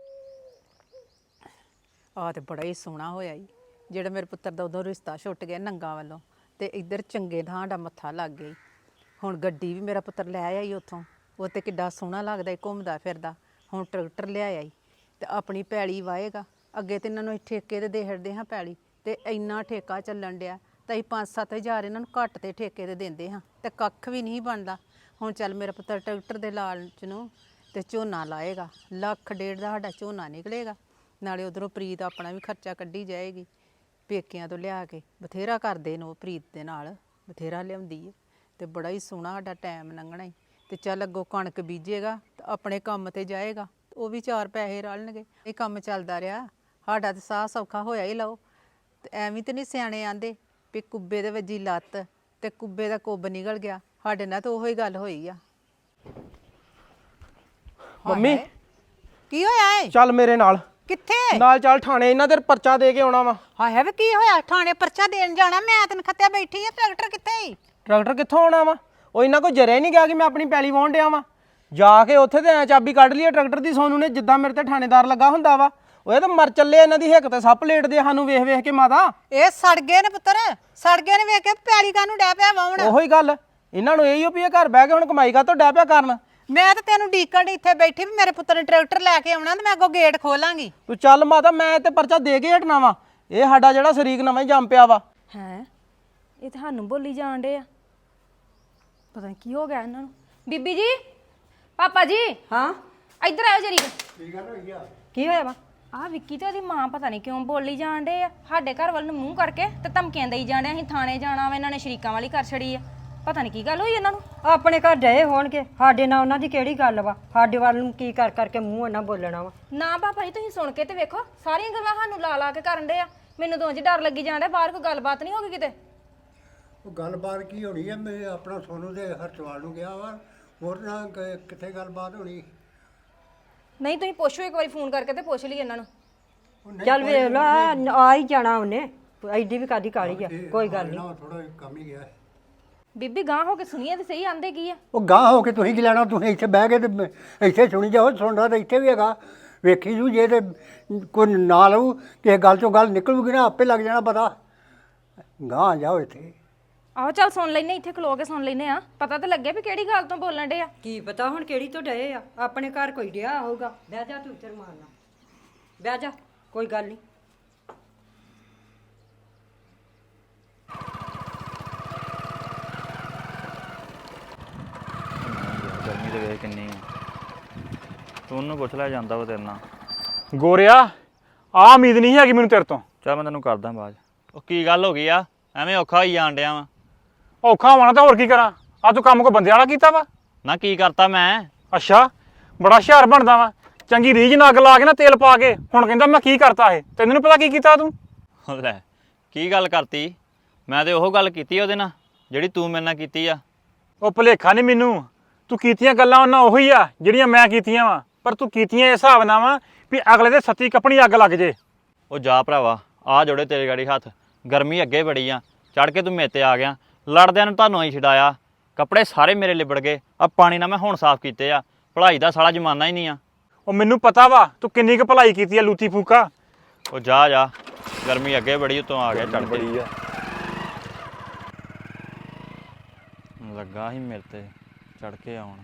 S4: ਆ ਤੇ ਬੜਾ ਹੀ ਸੋਹਣਾ ਹੋਇਆ ਈ ਜਿਹੜਾ ਮੇਰੇ ਪੁੱਤਰ ਦਾ ਉਦੋਂ ਰਿਸ਼ਤਾ ਛੁੱਟ ਗਿਆ ਨੰਗਾ ਵੱਲੋਂ, ਤੇ ਇੱਧਰ ਚੰਗੇ ਥਾਂ ਦਾ ਮੱਥਾ ਲੱਗ ਗਈ। ਹੁਣ ਗੱਡੀ ਵੀ ਮੇਰਾ ਪੁੱਤਰ ਲੈ ਆਈ ਉੱਥੋਂ, ਉਹ ਤੇ ਕਿੱਡਾ ਸੋਹਣਾ ਲੱਗਦਾ ਈ ਘੁੰਮਦਾ ਫਿਰਦਾ। ਹੁਣ ਟਰੈਕਟਰ ਲਿਆਇਆ ਈ ਤੇ ਆਪਣੀ ਪੈਲੀ ਵਾਹੇਗਾ। ਅੱਗੇ ਤੇ ਇਹਨਾਂ ਨੂੰ ਠੇਕੇ ਤੇ ਦੇ ਹੜਦੇ ਹਾਂ ਪੈਲੀ, ਤੇ ਇੰਨਾ ਠੇਕਾ ਚੱਲਣ ਡਿਆ ਤਾਂ ਅਸੀਂ 5-7 ਹਜ਼ਾਰ ਇਹਨਾਂ ਨੂੰ ਘੱਟ ਤੇ ਠੇਕੇ ਤੇ ਦਿੰਦੇ ਹਾਂ ਤੇ ਕੱਖ ਵੀ ਨਹੀਂ ਬਣਦਾ। ਹੁਣ ਚੱਲ ਮੇਰਾ ਪੁੱਤਰ ਟਰੈਕਟਰ ਦੇ ਲਾਲਚ ਨੂੰ ਤੇ ਝੋਨਾ ਲਾਏਗਾ, 1.5 ਲੱਖ ਦਾ ਸਾਡਾ ਝੋਨਾ ਨਿਕਲੇਗਾ। ਨਾਲੇ ਉਧਰੋਂ ਪ੍ਰੀਤ ਆਪਣਾ ਵੀ ਖਰਚਾ ਕੱਢੀ ਜਾਏਗੀ। ਪੇਕਿਆਂ ਤੋਂ ਲਿਆ ਕੇ ਬਥੇਰਾ ਕਰਦੇ ਨੇ ਉਹ, ਪ੍ਰੀਤ ਦੇ ਨਾਲ ਬਥੇਰਾ ਲਿਆਉਂਦੀ ਹੈ ਤੇ ਬੜਾ ਹੀ ਸੋਹਣਾ ਸਾਡਾ ਟਾਈਮ ਲੰਘਣਾ ਈ। ਤੇ ਚੱਲ ਅੱਗੋਂ ਕਣਕ ਬੀਜੇਗਾ ਤੇ ਆਪਣੇ ਕੰਮ ਤੇ ਜਾਏਗਾ, ਉਹ ਵੀ 4 ਪੈਸੇ ਰਲਣਗੇ। ਇਹ ਕੰਮ ਚੱਲਦਾ ਰਿਹਾ ਸਾਡਾ ਤੇ ਸਾਹ ਸੌਖਾ ਹੋਇਆ ਹੀ ਲਓ। ਤੇ ਐਵੇਂ ਤੇ ਨਹੀਂ ਸਿਆਣੇ ਆਂਦੇ ਵੀ ਕੁੱਬੇ ਦੇ ਵੱਜੀ ਲੱਤ ਤੇ ਕੁੱਬੇ ਦਾ ਕੁੱਬ ਨਿਕਲ ਗਿਆ। ਸਾਡੇ ਨਾਲ ਤਾਂ ਉਹੋ ਹੀ ਗੱਲ ਹੋਈ ਆ।
S5: ਮੰਮੀ
S4: ਕੀ ਹੋਇਆ ਏ?
S5: ਚੱਲ ਮੇਰੇ ਨਾਲ
S4: ਕਿੱਥੇ?
S5: ਨਾਲ ਚੱਲ ਥਾਣੇ, ਇਹਨਾਂ ਦੇ ਪਰਚਾ ਦੇ ਕੇ ਆਉਣਾ ਵਾ।
S4: ਹਾਏ ਵੇ ਕੀ ਹੋਇਆ? ਥਾਣੇ ਪਰਚਾ ਦੇਣ ਜਾਣਾ? ਮੈਂ ਤੈਨੂੰ ਖੱਤਿਆ ਬੈਠੀ ਆ। ਟਰੈਕਟਰ ਕਿੱਥੇ ਈ?
S5: ਟਰੈਕਟਰ ਕਿੱਥੋਂ ਆਉਣਾ ਵਾ? ਉਹ ਇਹਨਾਂ ਕੋਲ ਜਰਿਆ ਨਹੀਂ ਗਿਆ ਕਿ ਮੈਂ ਆਪਣੀ ਪੈਲੀ ਵਾਹੁਣ ਡਿਆ ਵਾਂ। ਜਾ ਕੇ ਉੱਥੇ ਤੇ ਐ ਚਾਬੀ ਕੱਢ ਲਈ ਟਰੈਕਟਰ ਦੀ ਸੋਨੂ ਨੇ, ਜਿੱਦਾਂ ਮੇਰੇ ਤੇ ਥਾਣੇਦਾਰ ਲੱਗਾ ਹੁੰਦਾ ਵਾ। ਉਹ ਤਾਂ ਮਰ ਚੱਲੇ, ਇਹਨਾਂ ਦੀ ਹਿੱਕ ਤੇ ਸੱਪ ਲੇਟਦੇ ਸਾਨੂੰ ਵੇਖ ਵੇਖ ਕੇ। ਮਾਤਾ
S4: ਇਹ ਸੜ ਗਏ ਨੇ ਪੁੱਤਰ, ਸੜ ਗਏ ਨੇ। ਵੇਖ ਕੇ ਪੈਲੀ ਕਾਹਨੂੰ ਡੈ ਪਿਆ ਵਾਉਣ?
S5: ਉਹੋ ਹੀ ਗੱਲ, ਇਹਨਾਂ ਨੂੰ ਇਹੀ ਓ ਵੀ ਇਹ ਘਰ ਬਹਿ ਕੇ ਹੁਣ ਕਮਾਈ ਕਾਹਤੋਂ ਡੈ ਪਿਆ ਕਰਨ।
S4: ਮੈਂ ਤਾਂ ਤੈਨੂੰ ਡੀਕਣ ਇੱਥੇ ਬੈਠੀ ਵੀ ਮੇਰੇ ਪੁੱਤਰ ਨੇ ਟਰੈਕਟਰ ਲੈ ਕੇ ਆਉਣਾ ਤੇ ਮੈਂ ਅੱਗੋਂ ਗੇਟ ਖੋਲਾਂਗੀ।
S5: ਤੂੰ ਚੱਲ ਮਾਤਾ, ਮੈਂ ਤੇ ਪਰਚਾ ਦੇ ਕੇ ਹਟਣਾ ਵਾ। ਇਹ ਸਾਡਾ ਜਿਹੜਾ ਸ਼ਰੀਕ ਨਵਾਂ ਹੀ ਜੰਮ ਪਿਆ ਵਾ।
S6: ਹੈ ਇਹ ਤੁਹਾਨੂੰ ਬੋਲੀ ਜਾਣ ਡੇ ਆ। ਪਤਾ ਨਹੀਂ ਕੀ ਹੋ ਗਿਆ ਇਹਨਾਂ ਨੂੰ। ਬੀਬੀ ਜੀ, ਪਾਪਾ ਜੀ,
S1: ਹਾਂ
S6: ਇੱਧਰ ਆਓ ਜਰੀ। ਕੀ ਹੋਇਆ ਵਾ? ਆਹ ਵਿੱਕੀ ਤੇ ਉਹਦੀ ਮਾਂ ਪਤਾ ਨਹੀਂ ਕਿਉਂ ਬੋਲੀ ਜਾਣ ਡੇ ਆ ਸਾਡੇ ਘਰ ਵੱਲ ਨੂੰ ਮੂੰਹ ਕਰਕੇ ਤੇ ਧਮਕੀਆਂ ਦੇਈ ਜਾਣ ਡਿਆ। ਅਸੀਂ ਥਾਣੇ ਜਾਣਾ ਵਾ, ਇਹਨਾਂ ਨੇ ਸ਼ਰੀਕਾਂ ਵਾਲੀ ਕਰ ਛੜੀ ਆ। ਪਤਾ ਨਹੀਂ ਕੀ ਗੱਲ ਹੋਈ ਇਹਨਾਂ ਨੂੰ।
S7: ਆਪਣੇ ਘਰ ਡਏ ਹੋਣਗੇ, ਸਾਡੇ ਨਾਲ ਉਹਨਾਂ ਦੀ ਕਿਹੜੀ ਗੱਲ ਵਾ? ਸਾਡੇ ਵੱਲ ਨੂੰ ਕੀ ਕਰ ਕਰਕੇ ਮੂੰਹ ਇਹਨਾਂ ਬੋਲਣਾ ਵਾ?
S6: ਨਾ ਪਾਪਾ ਜੀ ਤੁਸੀਂ ਸੁਣ ਕੇ ਤੇ ਵੇਖੋ, ਸਾਰੀਆਂ ਗੱਲਾਂ ਸਾਨੂੰ ਲਾ ਲਾ ਕੇ ਕਰਨ ਦੇ ਆ। ਮੈਨੂੰ ਤਾਂ ਉਂਝ ਡਰ ਲੱਗੀ ਜਾਂਦਾ, ਬਾਹਰ ਕੋਈ ਗੱਲਬਾਤ ਨਹੀਂ ਹੋ ਗਈ ਕਿਤੇ।
S8: ਉਹ ਗੱਲਬਾਤ ਕੀ ਹੋਣੀ ਹੈ? ਮੈਂ ਆਪਣਾ ਸੋਨੂੰ ਦੇ ਹਰਚਵਾਲ ਨੂੰ ਗਿਆ ਵਾ, ਹੋਰ ਨਾ ਕਿੱਥੇ ਗੱਲਬਾਤ ਹੋਣੀ।
S6: ਨਹੀਂ ਤੁਸੀਂ ਪੁੱਛੋ ਇੱਕ ਵਾਰੀ ਫੋਨ ਕਰਕੇ ਤੇ ਪੁੱਛ ਲਈ ਇਹਨਾਂ ਨੂੰ।
S7: ਚੱਲ ਵੇਖ ਲਾ, ਆ ਹੀ ਜਾਣਾ ਉਹਨੇ, ਐਡੀ ਵੀ ਕਾਦੀ ਕਾਲੀ ਆ, ਕੋਈ ਗੱਲ ਨਹੀਂ।
S8: ਥੋੜਾ ਕੰਮ ਹੀ ਗਿਆ।
S6: ਬੀਬੀ ਗਾਂ ਹੋ ਕੇ ਸੁਣੀਏ ਤੇ ਸਹੀ ਆਂਦੇ ਕੀ ਆ।
S8: ਉਹ ਗਾਂਹ ਹੋ ਕੇ ਤੁਸੀਂ ਕੀ ਲੈਣਾ? ਤੁਸੀਂ ਇੱਥੇ ਬਹਿ ਕੇ ਤੇ ਇੱਥੇ ਸੁਣੀ ਜਾਓ, ਸੁਣਦਾ ਤਾਂ ਇੱਥੇ ਵੀ ਹੈਗਾ। ਵੇਖੀ ਜੂ ਜੇ ਤੇ ਕੋਈ ਨਾ ਲਊ ਕਿਸੇ ਗੱਲ ਚੋਂ ਗੱਲ ਨਿਕਲੂਗੀ ਨਾ, ਆਪੇ ਲੱਗ ਜਾਣਾ ਪਤਾ। ਗਾਂਹ ਜਾਓ ਇੱਥੇ।
S6: ਆਹੋ ਚੱਲ ਸੁਣ ਲੈਨੇ, ਇੱਥੇ ਖਲੋ ਕੇ ਸੁਣ ਲੈਨੇ ਆ, ਪਤਾ ਤਾਂ ਲੱਗਿਆ ਵੀ ਕਿਹੜੀ ਗੱਲ ਤੋਂ ਬੋਲਣ ਡੇ ਆ।
S7: ਕੀ ਪਤਾ ਹੁਣ ਕਿਹੜੀ ਤੋਂ ਡਏ ਆ? ਆਪਣੇ ਘਰ ਕੋਈ ਡਿਆ ਹੋਊਗਾ। ਬਹਿ ਜਾ ਤੂੰ, ਚਰ ਮਾਰਨਾ, ਬਹਿ ਜਾ, ਕੋਈ ਗੱਲ ਨਹੀਂ।
S9: ਗਰਮੀ ਦੇ ਵੇਖ ਕਿੰਨੀ ਆ। ਤੂੰ ਉਹਨੂੰ ਪੁੱਛ ਲੈ, ਜਾਂਦਾ ਵਾ ਤੇਰੇ ਨਾਲ।
S10: ਗੋਰਿਆ ਆ ਉਮੀਦ ਨਹੀਂ ਹੈਗੀ ਮੈਨੂੰ ਤੇਰੇ ਤੋਂ।
S9: ਚੱਲ ਮੈਂ ਤੈਨੂੰ ਕਰਦਾ ਬਾਅਦ। ਉਹ ਕੀ ਗੱਲ ਹੋ ਗਈ ਆ? ਐਵੇਂ ਔਖਾ ਹੋਈ ਜਾਣ ਡਿਆ ਵਾ।
S10: ਔਖਾ ਹੋਣਾ ਤਾਂ ਹੋਰ ਕੀ ਕਰਾਂ? ਆ ਤੂੰ ਕੰਮ ਕੋ ਬੰਦਿਆਂ ਵਾਲਾ ਕੀਤਾ ਵਾ?
S9: ਨਾ ਕੀ ਕਰਤਾ ਮੈਂ?
S10: ਅੱਛਾ, ਬੜਾ ਹੁਸ਼ਿਆਰ ਬਣਦਾ ਵਾ। ਚੰਗੀ ਰੀਝ ਨਾਲ ਅੱਗ ਲਾ ਕੇ ਨਾ ਤੇਲ ਪਾ ਕੇ ਹੁਣ ਕਹਿੰਦਾ ਮੈਂ ਕੀ ਕਰਤਾ ਇਹ। ਤੈਨੂੰ ਨੀ ਪਤਾ ਕੀ ਕੀਤਾ ਤੂੰ?
S9: ਲੈ ਕੀ ਗੱਲ ਕਰਤੀ? ਮੈਂ ਤੇ ਉਹ ਗੱਲ ਕੀਤੀ ਉਹਦੇ ਨਾਲ ਜਿਹੜੀ ਤੂੰ ਮੇਰੇ ਨਾਲ ਕੀਤੀ ਆ।
S10: ਉਹ ਭੁਲੇਖਾ ਨਹੀਂ ਮੈਨੂੰ, ਤੂੰ ਕੀਤੀਆਂ ਗੱਲਾਂ ਉਹਨਾਂ ਉਹੀ ਆ ਜਿਹੜੀਆਂ ਮੈਂ ਕੀਤੀਆਂ ਵਾ, ਪਰ ਤੂੰ ਕੀਤੀਆਂ ਇਸ ਹਿਸਾਬ ਨਾਲ ਵਾ ਵੀ ਅਗਲੇ ਦੇ ਸੱਤੀ ਕੱਪਣੀ ਅੱਗ ਲੱਗ ਜੇ।
S9: ਉਹ ਜਾ ਭਰਾਵਾ, ਆ ਜੋੜੇ ਤੇਰੇ ਗਾੜੀ ਹੱਥ। ਗਰਮੀ ਅੱਗੇ ਬੜੀ ਆ, ਚੜ ਕੇ ਤੂੰ ਮੇਰੇ ਤੇ ਆ ਗਿਆ। ਲੜਦਿਆਂ ਨੂੰ ਤੁਹਾਨੂੰ ਹੀ ਛਡਾਇਆ, ਕੱਪੜੇ ਸਾਰੇ ਮੇਰੇ ਲਿਬੜ ਗਏ। ਆ ਪਾਣੀ ਨਾਲ ਮੈਂ ਹੁਣ ਸਾਫ਼ ਕੀਤੇ ਆ। ਭਲਾਈ ਦਾ ਸਾਲਾ ਜ਼ਮਾਨਾ ਹੀ ਨਹੀਂ ਆ।
S10: ਉਹ ਮੈਨੂੰ ਪਤਾ ਵਾ ਤੂੰ ਕਿੰਨੀ ਕੁ ਭਲਾਈ ਕੀਤੀ ਆ ਲੂਤੀ ਫੂਕਾ।
S9: ਉਹ ਜਾ ਜਾ, ਗਰਮੀ ਅੱਗੇ ਬੜੀ, ਉਤੋਂ ਆ ਗਿਆ ਚੜ ਬੜੀ ਆ। ਲੱਗਾ ਸੀ ਮੇਰੇ ਤੇ ਚੜ ਕੇ ਆਉਣ,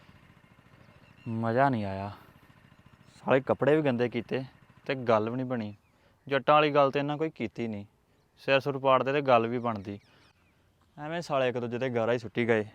S9: ਮਜ਼ਾ ਨਹੀਂ ਆਇਆ। ਸਾਲੇ ਕੱਪੜੇ ਵੀ ਗੰਦੇ ਕੀਤੇ ਤੇ ਗੱਲ ਵੀ ਨਹੀਂ ਬਣੀ। ਜੱਟਾਂ ਵਾਲੀ ਗੱਲ ਤੇ ਇਹਨਾਂ ਕੋਈ ਕੀਤੀ ਨਹੀਂ। ਸਿਰ ਸੁਰ ਪਾੜਦੇ ਤੇ ਗੱਲ ਵੀ ਬਣਦੀ। ਐਵੇਂ ਸਾਲੇ ਇੱਕ ਦੂਜੇ ਤੇ ਗਾਰਾ ਹੀ ਸੁੱਟੀ ਗਏ।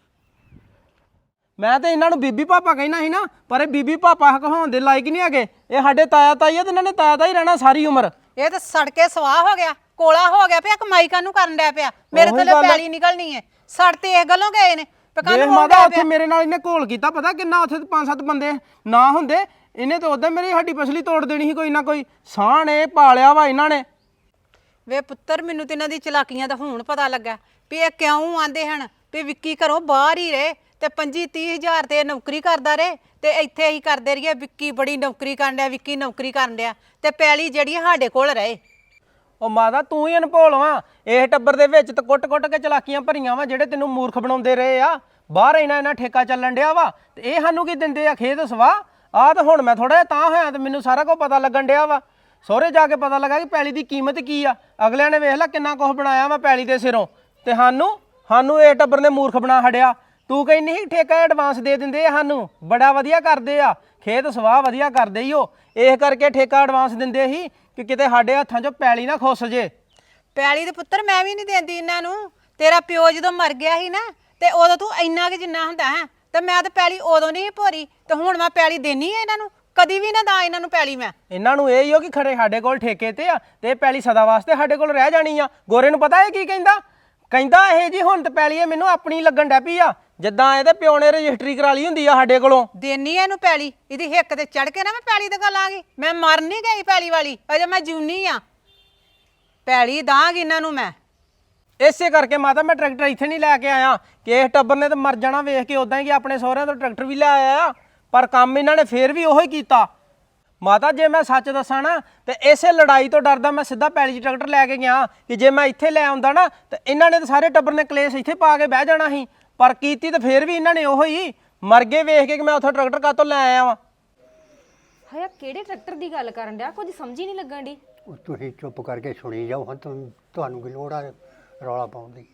S5: ਮੈਂ ਤੇ ਇਹਨਾਂ ਨੂੰ ਬੀਬੀ ਪਾਪਾ ਕਹਿਣਾ ਸੀ ਨਾ, ਪਰ ਇਹ ਬੀਬੀ ਪਾਪਾ ਕਹਾਉਣ ਦੇ ਲਾਇਕ ਨਹੀਂ ਹੈਗੇ। ਇਹ ਸਾਡੇ ਤਾਇਆ ਤਾਈ ਆ ਤੇ ਇਹਨਾਂ ਨੇ ਤਾਇਆ ਤਾਈ ਰਹਿਣਾ ਸਾਰੀ ਉਮਰ।
S4: ਇਹ ਤਾਂ ਸੜ ਕੇ ਸਵਾਹ ਹੋ ਗਿਆ, ਕੋਲਾ ਹੋ ਗਿਆ ਪਿਆ। ਕਮਾਈ ਕਾਹਨੂੰ ਕਰਨ ਡਿਆ ਪਿਆ? ਮੇਰੇ
S5: ਉਹੀ
S4: ਥੱਲੇ
S5: ਗੱਲ ਆ।
S4: ਪੈਲੀ ਨਿਕਲਣੀ ਹੈ। ਸੜ ਤੇ ਇਸ ਗੱਲੋਂ ਗਏ ਨੇ
S5: ਦੇਖ
S4: ਪਕਾਨੂੰ
S5: ਮਾਤਾ, ਉੱਥੇ ਮੇਰੇ ਨਾਲ ਇਹਨੇ ਘੋਲ ਕੀਤਾ, ਪਤਾ ਕਿੰਨਾ? ਉੱਥੇ 5-7 ਬੰਦੇ ਨਾ ਹੁੰਦੇ, ਇਹਨੇ ਤਾਂ ਉਦੋਂ ਮੇਰੀ ਹੱਡੀ ਪਸਲੀ ਤੋੜ ਦੇਣੀ ਸੀ। ਕੋਈ ਨਾ ਕੋਈ ਸਾਹ ਨੇ ਪਾਲਿਆ ਵਾ ਇਹਨਾਂ ਨੇ।
S4: ਵੇ ਪੁੱਤਰ, ਮੈਨੂੰ ਤੇ ਇਹਨਾਂ ਦੀ ਚਲਾਕੀਆਂ ਦਾ ਹੁਣ ਪਤਾ ਲੱਗਾ ਵੀ ਇਹ ਕਿਉਂ ਆਂਦੇ ਹਨ ਵੀ ਵਿੱਕੀ ਘਰੋਂ ਬਾਹਰ ਹੀ ਰਹੇ ਤੇ 25-30 ਹਜ਼ਾਰ ਤੇ ਨੌਕਰੀ ਕਰਦਾ ਰਹੇ ਤੇ ਇੱਥੇ ਹੀ ਕਰਦੇ ਰਹੀਏ। ਵਿੱਕੀ ਬੜੀ ਨੌਕਰੀ ਕਰਨ ਡਿਆ, ਵਿੱਕੀ ਨੌਕਰੀ ਕਰਨ ਡਿਆ, ਤੇ ਪੈਲੀ ਜਿਹੜੀ ਸਾਡੇ ਕੋਲ ਰਹੇ।
S5: ਉਹ ਮਾਤਾ, ਤੂੰ ਹੀ ਅਨਭੋਲ ਵਾਂ। ਇਹ ਟੱਬਰ ਦੇ ਵਿੱਚ ਤਾਂ ਕੁੱਟ-ਕੁੱਟ ਕੇ ਚਲਾਕੀਆਂ ਭਰੀਆਂ ਵਾ, ਜਿਹੜੇ ਤੈਨੂੰ ਮੂਰਖ ਬਣਾਉਂਦੇ ਰਹੇ ਆ। ਬਾਹਰ ਇਹਨਾਂ ਠੇਕਾ ਚੱਲਣ ਡਿਆ ਵਾ ਤੇ ਇਹ ਸਾਨੂੰ ਕੀ ਦਿੰਦੇ ਆ? ਖੇਤ ਸਵਾਹ। ਆਹ ਤਾਂ ਹੁਣ ਮੈਂ ਥੋੜਾ ਜਿਹਾ ਤਾਂ ਹੋਇਆ ਤੇ ਮੈਨੂੰ ਸਾਰਾ ਕੁਝ ਪਤਾ ਲੱਗਣ ਡਿਆ ਵਾ। ਸਹੁਰੇ ਜਾ ਕੇ ਪਤਾ ਲੱਗਾ ਕਿ ਪੈਲੀ ਦੀ ਕੀਮਤ ਕੀ ਆ। ਅਗਲਿਆਂ ਨੇ ਵੇਖ ਲੈ ਕਿੰਨਾ ਕੁਝ ਬਣਾਇਆ ਵਾ ਪੈਲੀ ਦੇ ਸਿਰੋਂ, ਤੇ ਸਾਨੂੰ ਇਹ ਟੱਬਰ ਨੇ ਮੂਰਖ ਬਣਾ ਛੱਡਿਆ। ਤੂੰ ਕਹਿੰਦੀ ਸੀ ਠੇਕਾ ਐਡਵਾਂਸ ਦੇ ਦਿੰਦੇ ਆ ਸਾਨੂੰ, ਬੜਾ ਵਧੀਆ ਕਰਦੇ ਆ, ਖੇਤ ਸਵਾਹ ਵਧੀਆ ਕਰਦੇ ਹੀ ਉਹ। ਇਸ ਕਰਕੇ ਠੇਕਾ ਐਡਵਾਂਸ ਦਿੰਦੇ ਸੀ ਕਿ ਕਿਤੇ ਸਾਡੇ ਹੱਥਾਂ 'ਚੋਂ ਪੈਲੀ ਨਾ ਖੁੱਸ ਜੇ।
S4: ਪੈਲੀ ਦੇ ਪੁੱਤਰ ਮੈਂ ਵੀ ਨਹੀਂ ਦਿੰਦੀ ਇਹਨਾਂ ਨੂੰ। ਤੇਰਾ ਪਿਓ ਜਦੋਂ ਮਰ ਗਿਆ ਸੀ ਨਾ ਤੇ ਉਦੋਂ ਤੂੰ ਇੰਨਾ ਕਿ ਜਿੰਨਾ ਹੁੰਦਾ ਹੈ, ਤੇ ਮੈਂ ਤਾਂ ਪੈਲੀ ਉਦੋਂ ਨਹੀਂ ਭੋਰੀ, ਤੇ ਹੁਣ ਮੈਂ ਪੈਲੀ ਦੇਣੀ ਹੈ ਇਹਨਾਂ ਨੂੰ। ਕਦੀ ਵੀ ਨਾ ਦਾ ਇਹਨਾਂ ਨੂੰ ਪੈਲੀ ਮੈਂ।
S5: ਇਹਨਾਂ ਨੂੰ ਇਹ ਹੀ ਹੋ ਕਿ ਖੜੇ ਸਾਡੇ ਕੋਲ ਠੇਕੇ ਤੇ ਆ ਤੇ ਇਹ ਪੈਲੀ ਸਦਾ ਵਾਸਤੇ ਸਾਡੇ ਕੋਲ ਰਹਿ ਜਾਣੀ ਆ। ਗੋਰੇ ਨੂੰ ਪਤਾ ਇਹ ਕੀ ਕਹਿੰਦਾ? ਕਹਿੰਦਾ ਇਹ ਜੀ ਹੁਣ ਤੇ ਪੈਲੀ ਇਹ ਮੈਨੂੰ ਆਪਣੀ ਲੱਗਣ ਡੈ ਪਈ ਆ, ਜਿੱਦਾਂ ਇਹਦੇ ਪਿਓ ਨੇ ਰਜਿਸਟਰੀ ਕਰਾ ਲਈ ਹੁੰਦੀ ਆ ਸਾਡੇ ਕੋਲੋਂ।
S4: ਦੇਣੀ ਇਹਨੂੰ ਪੈਲੀ, ਇਹਦੀ ਹਿੱਕ ਤੇ ਚੜ ਕੇ ਨਾ ਮੈਂ ਪੈਲੀ ਤੇ ਗੱਲ ਆ ਗਈ। ਮੈਂ ਮਰ ਨਹੀਂ ਗਈ ਪੈਲੀ ਵਾਲੀ, ਅਜੇ ਮੈਂ ਜਿਉਣੀ ਆ। ਪੈਲੀ ਦਾਂਗੀ ਇਹਨਾਂ ਨੂੰ ਮੈਂ।
S5: ਇਸੇ ਕਰਕੇ ਮਾਤਾ ਮੈਂ ਟਰੈਕਟਰ ਇੱਥੇ ਨਹੀਂ ਲੈ ਕੇ ਆਇਆ ਕਿ ਇਸ ਟੱਬਰ ਨੇ ਤਾਂ ਮਰ ਜਾਣਾ ਵੇਖ ਕੇ। ਉਦਾਂ ਹੀ ਕਿ ਆਪਣੇ ਸਹੁਰਿਆਂ ਤੋਂ ਟਰੈਕਟਰ ਵੀ ਲੈ ਆਇਆ, ਪਰ ਕੰਮ ਇਹਨਾਂ ਨੇ ਫੇਰ ਵੀ ਉਹੋ ਹੀ ਕੀਤਾ। ਮਾਤਾ, ਜੇ ਮੈਂ ਸੱਚ ਦੱਸਾਂ ਨਾ ਤੇ ਇਸੇ ਲੜਾਈ ਤੋਂ ਡਰਦਾ ਮੈਂ ਸਿੱਧਾ ਪੈਲੀ 'ਚ ਟਰੈਕਟਰ ਲੈ ਕੇ ਗਿਆ ਕਿ ਜੇ ਮੈਂ ਇੱਥੇ ਲੈ ਆਉਂਦਾ ਨਾ ਤੇ ਇਹਨਾਂ ਨੇ ਤਾਂ ਸਾਰੇ ਟੱਬਰ ਨੇ ਕਲੇਸ਼ ਇੱਥੇ ਪਾ ਕੇ ਬਹਿ ਜਾਣਾ ਸੀ। ਪਰ ਕੀਤੀ ਤਾਂ ਫੇਰ ਵੀ ਇਹਨਾਂ ਨੇ ਉਹੋ ਹੀ। ਮਰ ਗਏ ਵੇਖ ਕੇ ਕਿ ਮੈਂ ਉੱਥੋਂ ਟਰੈਕਟਰ ਕਾਹਤੋਂ ਲੈ ਆਇਆ ਵਾਂ।
S6: ਹਾਇਆ ਕਿਹੜੇ ਟਰੈਕਟਰ ਦੀ ਗੱਲ ਕਰਨ ਡਿਆ? ਕੁਝ ਸਮਝ ਹੀ ਨਹੀਂ ਲੱਗਣ ਦੀ।
S8: ਉਹ ਤੁਸੀਂ ਚੁੱਪ ਕਰਕੇ ਸੁਣੀ ਜਾਓ। ਹਾਂ ਤੁਹਾਨੂੰ ਕੀ ਲੋੜ ਆ ਰੌਲਾ ਪਾਉਣ ਦੀ?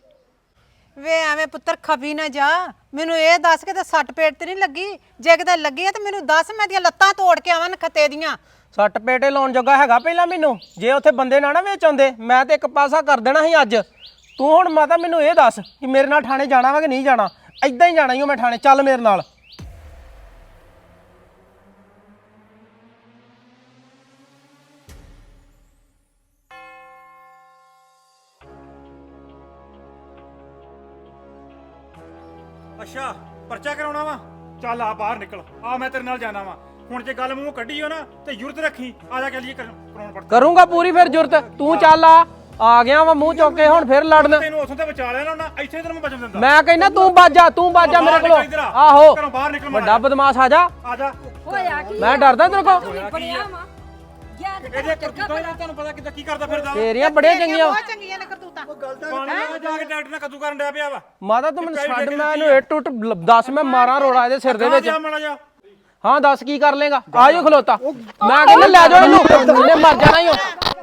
S4: ਵੇ ਐਵੇਂ ਪੁੱਤਰ ਖਪੀ ਨਾ ਜਾ। ਮੈਨੂੰ ਇਹ ਦੱਸ ਕੇ ਤੇ ਸੱਟ ਪੇਟ ਤੇ ਨਹੀਂ ਲੱਗੀ? ਜੇ ਕਿਤੇ ਲੱਗੀ ਆ ਤੇ ਮੈਨੂੰ ਦੱਸ, ਮੈਂ ਦੀਆਂ ਲੱਤਾਂ ਤੋੜ ਕੇ ਆਵਾਂ ਨਖੱਤੇ ਦੀਆਂ।
S5: ਸੱਟ ਪੇਟੇ ਲਾਉਣ ਜੋਗਾ ਹੈਗਾ ਪਹਿਲਾਂ ਮੈਨੂੰ? ਜੇ ਉੱਥੇ ਬੰਦੇ ਨਾ ਵੇਚ ਆਉਂਦੇ ਮੈਂ ਤੇ ਇੱਕ ਪਾਸਾ ਕਰ ਦੇਣਾ ਸੀ ਅੱਜ। ਤੂੰ ਹੁਣ ਮਾਤਾ ਮੈਨੂੰ ਇਹ ਦੱਸ ਕਿ ਮੇਰੇ ਨਾਲ ਥਾਣੇ ਜਾਣਾ ਵਾ ਕਿ ਨਹੀਂ ਜਾਣਾ? ਐਦਾਂ ਹੀ ਜਾਣਾ ਹੀ ਮੈਂ ਥਾਣੇ, ਚੱਲ ਮੇਰੇ ਨਾਲ।
S10: ਅੱਛਾ ਪਰਚਾ ਕਰਾਉਣਾ ਵਾ ਚੱਲ ਆ ਬਾਹਰ ਨਿਕਲ ਆ ਮੈਂ ਤੇਰੇ ਨਾਲ ਜਾਣਾ ਵਾ ਹੁਣ ਜੇ ਗੱਲ ਮੂੰਹ ਕੱਢੀ ਹੋ ਨਾ ਤੇ ਜ਼ਰੂਰਤ ਰੱਖੀ ਆ ਜਾ ਚੱਲੀਏ ਕਰਾਉਣ ਪਰਚਾ
S5: ਕਰੂੰਗਾ ਪੂਰੀ ਫਿਰ ਜ਼ਰੂਰਤ ਤੂੰ ਚੱਲ ਆ ਗਿਆ ਵਾ ਮੂੰਹ ਚੁੱਕ ਕੇ ਹੁਣ ਫਿਰ ਲੜਨ
S10: ਤੈਨੂੰ ਉਥੋਂ ਤੇ ਬਚਾ ਲਿਆ ਨਾ ਇੱਥੇ ਤੈਨੂੰ ਮੈਂ ਬਚਣ ਦਿੰਦਾ
S5: ਮੈਂ ਕਹਿੰਦਾ ਤੂੰ ਬਾਜਾ ਮੇਰੇ ਕੋਲੋਂ ਆਹੋ
S10: ਘਰੋਂ ਬਾਹਰ ਨਿਕਲ
S5: ਵੱਡਾ ਬਦਮਾਸ਼ ਆ ਜਾ
S10: ਆ ਜਾ
S7: ਹੋਇਆ ਕੀ
S5: ਮੈਂ ਡਰਦਾ ਤੇਰੇ ਕੋਲ
S7: ਬਣਿਆ ਵਾ ਯਾਰ
S10: ਇਹਦੇ ਕਰਤੂਤਾਂ ਦਾ ਤੁਹਾਨੂੰ ਪਤਾ ਕਿੱਦਾਂ ਕੀ ਕਰਦਾ ਫਿਰਦਾ
S5: ਤੇਰੀਆਂ ਬੜੀਆਂ ਚੰਗੀਆਂ
S10: ਪਾਣੀ ਨਾਲ ਜਾ ਕੇ ਟਰੈਕਟਰ ਨਾਲ ਕੱਦੂ ਕਰਨ ਡਿਆ ਪਿਆ ਵਾ
S5: ਮਾਤਾ ਤੂੰ ਮੈਨੂੰ ਛੱਡ ਮੈਂ ਇਹਨੂੰ ਇੱਟ ਉੱਟ ਦੱਸ ਮੈਂ ਮਾਰਾਂ ਰੋੜਾ ਇਹਦੇ ਸਿਰ ਦੇ ਵਿੱਚ
S10: ਜਾ ਮਾੜਾ ਜਾ
S5: ਹਾਂ ਦੱਸ ਕੀ ਕਰ ਲੇਗਾ ਆ ਜਾ ਖਲੋਤਾ ਮੈਂ ਕਹਿੰਦਾ ਲੈ ਜਾਓ ਇਹਨੂੰ ਇਹਨੇ ਮਰ ਜਾਣਾ ਹੀ ਹੋ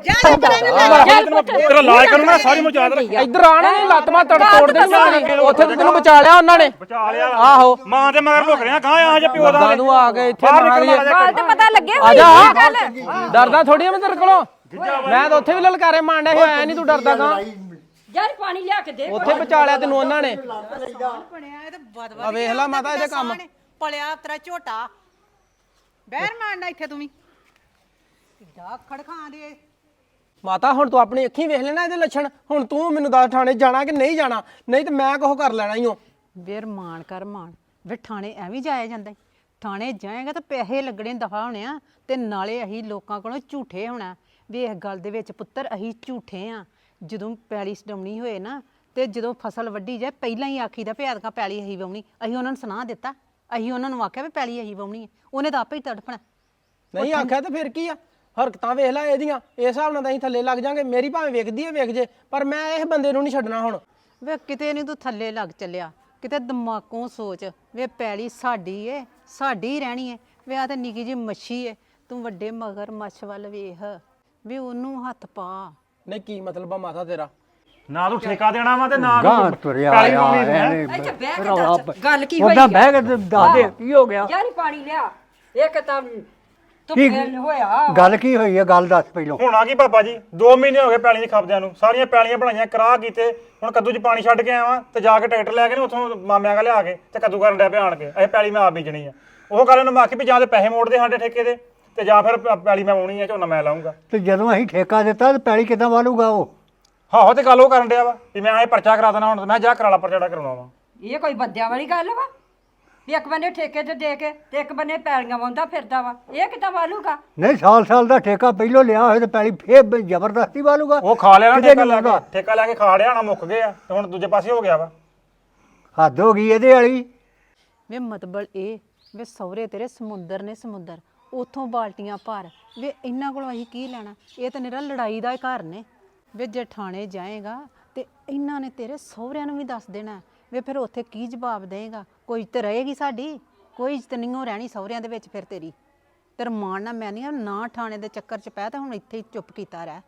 S10: ਤੇਰਾ ਇਲਾਜ ਕਰੂੰਗਾ ਸਾਰੀ ਮੁਝ ਯਾਦ ਰੱਖ
S5: ਇੱਧਰ ਆਣਾ ਨਹੀਂ ਲੱਤ ਮਾ ਤੋੜ ਦੇਣੀ ਮੈਂ ਉੱਥੇ ਤੇ ਤੈਨੂੰ ਬਚਾ ਲਿਆ ਉਹਨਾਂ ਨੇ
S10: ਬਚਾ ਲਿਆ
S5: ਆਹੋ
S10: ਮਾਂ ਦੇ ਮਗਰ ਲੁਕ ਰਿਹਾ ਗਾਂ ਆ ਜਾ ਪਿਓ ਦਾ
S5: ਦਾਦਾ ਨੂੰ ਆ ਕੇ ਇੱਥੇ ਮਾਰ ਲਈਏ
S6: ਗੱਲ ਤੇ ਪਤਾ ਲੱਗੇ
S5: ਆ ਜਾ ਡਰਦਾ ਥੋੜੀ ਮੈਂ ਤੇਰੇ ਕੋਲੋਂ ਮੈਂ ਤਾਂ ਉੱਥੇ ਵੀ ਲਲਕਾਰੇ ਮਾਰਨਾ ਸੀ ਆਇਆ ਨਹੀਂ ਤੂੰ ਡਰਦਾ ਕਾਂ
S7: ਯਾਰ ਪਾਣੀ ਲਿਆ ਕੇ ਦੇ
S5: ਉੱਥੇ ਬਚਾ ਲਿਆ ਤੈਨੂੰ ਉਹਨਾਂ ਨੇ ਆ ਵੇਖ ਲੈ ਮਾਤਾ ਇਹਦੇ ਕੰਮ
S4: ਪਲਿਆ ਤੇਰਾ ਝੋਟਾ ਬਹਿਰ ਮਾਰਨਾ ਇੱਥੇ ਤੂੰ ਵੀ ਕਿੱਡਾ ਖੜਖਾਂ ਦੇ
S5: ਮਾਤਾ ਹੁਣ ਤੂੰ ਆਪਣੀ ਅੱਖੀਂ ਵੇਖ ਲੈਣਾ ਇਹਦੇ ਲੱਛਣ ਹੁਣ ਤੂੰ ਮੈਨੂੰ ਦੱਸ ਥਾਣੇ ਜਾਣਾ ਕਿ ਨਹੀਂ ਜਾਣਾ ਨਹੀਂ ਤੇ ਮੈਂ ਕੋਹ ਕਰ ਲੈਣਾ ਹੀ ਹਾਂ
S4: ਵੇਰ ਮਾਣ ਕਰ ਮਾਣ ਵੇ ਥਾਣੇ ਐਵੇਂ ਜਾਇਆ ਜਾਂਦਾ ਈ। ਥਾਣੇ ਜਾਏਗਾ ਤਾਂ ਪੈਸੇ ਲੱਗਣੇ ਦਫਾ ਹੋਣੇ ਆ ਤੇ ਨਾਲੇ ਅਸੀਂ ਲੋਕਾਂ ਕੋਲੋਂ ਝੂਠੇ ਹੋਣਾ ਵੀ ਇਸ ਗੱਲ ਦੇ ਵਿੱਚ ਪੁੱਤਰ ਅਸੀਂ ਝੂਠੇ ਆ ਜਦੋਂ ਪੈਲੀ ਸਡਮਣੀ ਹੋਏ ਨਾ ਤੇ ਜਦੋਂ ਫਸਲ ਵੱਢੀ ਜਾਏ ਪਹਿਲਾਂ ਹੀ ਆਖੀਦਾ ਭਿਆਦਕਾ ਪੈਲੀ ਅਸੀਂ ਵਾਉਣੀ ਅਸੀਂ ਉਹਨਾਂ ਨੂੰ ਸੁਣਾ ਦਿੱਤਾ ਅਸੀਂ ਉਹਨਾਂ ਨੂੰ ਆਖਿਆ ਵੀ ਪੈਲੀ ਅਸੀਂ ਵਾਉਣੀ ਹੈ ਉਹਨੇ ਤਾਂ ਆਪੇ ਹੀ ਤੜਫਣਾ
S5: ਨਹੀਂ ਆਖਿਆ ਤਾਂ ਫਿਰ ਕੀ ਆ ਹਰਕਤਾਂ ਵੇਖ ਲੈ ਇਹਦੀਆਂ ਇਸ ਹਿਸਾਬ ਨਾਲ ਤਾਂ ਅਸੀਂ ਥੱਲੇ ਲੱਗ ਜਾਾਂਗੇ ਮੇਰੀ ਭਾਵੇਂ ਵੇਖਦੀ ਹੈ ਵੇਖ ਜੇ ਪਰ ਮੈਂ ਇਹ ਬੰਦੇ ਨੂੰ ਨਹੀਂ ਛੱਡਣਾ ਹੁਣ
S4: ਵੇ ਕਿਤੇ ਨਹੀਂ ਤੂੰ ਥੱਲੇ ਲੱਗ ਚੱਲਿਆ ਕਿਤੇ ਦਿਮਾਗੋਂ ਸੋਚ ਵੇ ਪੈਲੀ ਸਾਡੀ ਏ ਸਾਡੀ ਹੀ ਰਹਿਣੀ ਏ ਵੇ ਆ ਤੇ ਨਿੱਕੀ ਜਿਹੀ ਮੱਛੀ ਏ ਤੂੰ ਵੱਡੇ ਮਗਰ ਮੱਛ ਵੱਲ ਵੇਖ ਵੀ ਉਹਨੂੰ ਹੱਥ ਪਾ
S5: ਨਹੀਂ ਕੀ ਮਤਲਬ ਆ ਮਾਤਾ ਤੇਰਾ
S10: ਨਾ ਤੂੰ ਠੇਕਾ ਦੇਣਾ ਵਾ ਤੇ ਨਾ
S8: ਗਾਂ ਤੁਰਿਆ
S10: ਪੈਲੀ
S8: ਆ
S10: ਪਾਉਣੀ ਹੈ।
S8: ਇਹਨੇ
S7: ਇੱਥੇ ਬਹਿ ਕੇ ਦੱਸ ਗੱਲ ਕੀ ਹੋਈ
S8: ਉਹਦਾ ਬਹਿ ਕੇ ਤੇ ਦੱਸ ਦੇ ਕੀ ਹੋ ਗਿਆ
S7: ਯਾਰ ਪਾਣੀ ਲਿਆ ਇੱਕ ਤਾਂ ਤੂੰ
S8: ਕੀ
S7: ਹੋਇਆ
S8: ਗੱਲ ਕੀ ਹੋਈ ਹੈ ਗੱਲ ਦੱਸ ਪਹਿਲੋਂ
S10: ਹੁਣ ਆ ਕੀ ਪਾਪਾ ਜੀ 2 ਮਹੀਨੇ ਹੋ ਗਏ ਪੈਲੀ ਦੀ ਖਪਦਿਆਂ ਨੂੰ ਸਾਰੀਆਂ ਪੈਲੀਆਂ ਬਣਾਈਆਂ ਕਰਾ ਕੀਤੇ ਹੁਣ ਕੱਦੂ 'ਚ ਪਾਣੀ ਛੱਡ ਕੇ ਆਵਾਂ ਤੇ ਜਾ ਕੇ ਟਰੈਕਟਰ ਲੈ ਕੇ ਉੱਥੋਂ ਮਾਮਿਆਂ ਕਾ ਲਿਆ ਕੇ ਤੇ ਕੱਦੂ ਕਰਨ ਡਿਆ ਪਿਆ ਆਣ ਕੇ ਇਹ ਪੈਲੀ ਮੈਂ ਆਪ ਬੀਜਣੀ ਆ ਉਹ ਗੱਲ ਉਹਨੂੰ ਮੈਂ ਆਖੀ ਵੀ ਜਾਂ ਤੇ ਪੈਸੇ ਮੋੜਦੇ ਸਾਡੇ ਠੇਕੇ ਦੇ ਤੇ ਜਾਂ ਫਿਰ ਪੈਲੀ ਮੈਂ ਵਾਉਣੀ ਆ ਝੋਨਾ ਮੈਂ ਲਾਉਂਗਾ
S8: ਤੇ ਜਦੋਂ ਅਸੀਂ ਠੇਕਾ ਦਿੱਤਾ ਤੇ ਪੈਲੀ ਕਿੱਦਾਂ ਵਾਲੂਗਾ ਉਹ
S10: ਹਾਂ ਤੇ ਗੱਲ ਉਹ ਕਰਨ ਡਿਆ ਵਾ ਵੀ ਮੈਂ ਇਹ ਪਰਚਾ ਕਰਾ ਦੇਣਾ ਹੁਣ ਮੈਂ ਜਾ ਕਰਾਲਾ ਪਰਚਾ ਕਰਾਉਣਾ ਵਾ
S7: ਇਹ ਕੋਈ ਬੰਦਿਆਂ ਵਾਲੀ ਗੱਲ ਵਾ ਵੀ ਇੱਕ ਬੰਨੇ ਠੇਕੇ ਤੇ ਦੇ ਕੇ ਤੇ ਇੱਕ ਬੰਨੇ ਪੈਲੀਆਂ ਵਾਉਂਦਾ ਫਿਰਦਾ ਵਾ ਇਹ ਕਿੱਦਾਂ ਵਾਲੂਗਾ
S8: ਨਹੀਂ ਸਾਲ ਦਾ ਠੇਕਾ ਪਹਿਲੋਂ ਲਿਆ ਹੋਇਆ ਤੇ ਪੈਲੀ ਫੇਰ ਜ਼ਬਰਦਸਤੀ ਵਾਲੂਗਾ
S10: ਉਹ ਖਾ ਲਿਆ ਨਾ
S8: ਕਿਤੇ
S10: ਠੇਕਾ
S8: ਨੀ
S10: ਲੈ ਕੇ
S8: ਵਾਹੁੰਦਾ।
S10: ਠੇਕਾ ਲੈ ਕੇ ਖਾ ਲਿਆ ਨਾ ਮੁੱਕ ਗਏ ਆ ਤੇ ਹੁਣ ਦੂਜੇ ਪਾਸੇ ਹੋ ਗਿਆ ਵਾ
S8: ਹੱਦ ਹੋ ਗਈ ਇਹਦੇ ਵਾਲੀ
S4: ਵੇ ਮਤਲਬ ਇਹ ਵੇ ਸਹੁਰੇ ਤੇਰੇ ਸਮੁੰਦਰ ਨੇ ਸਮੁੰਦਰ ਉਥੋਂ ਬਾਲਟੀਆਂ ਭਰ ਵੇ ਇਹਨਾਂ ਕੋਲੋਂ ਅਸੀਂ ਕੀ ਲੈਣਾ ਇਹ ਤਾਂ ਨਿਰਾ ਲੜਾਈ ਦਾ ਹੀ ਘਰ ਨੇ ਵੇ ਜੇ ਥਾਣੇ ਜਾਏਗਾ ਤੇ ਇਹਨਾਂ ਨੇ ਤੇਰੇ ਸਹੁਰਿਆਂ ਨੂੰ ਵੀ ਦੱਸ ਦੇਣਾ ਵੇ ਫਿਰ ਉੱਥੇ ਕੀ ਜਵਾਬ ਦੇਏਗਾ ਕੋਈ ਇੱਜ਼ਤ ਰਹੇਗੀ ਸਾਡੀ ਕੋਈ ਇੱਜ਼ਤ ਨਹੀਂ ਹੋ ਰਹਿਣੀ ਸਹੁਰਿਆਂ ਦੇ ਵਿੱਚ ਫਿਰ ਤੇਰੀ ਤੇਰਾ ਮਾਣ ਨਾ ਮੈਂ ਨਹੀਂ ਨਾ ਥਾਣੇ ਦੇ ਚੱਕਰ 'ਚ ਪੈ ਤਾਂ ਹੁਣ ਇੱਥੇ ਹੀ ਚੁੱਪ ਕੀਤਾ ਰਹਿ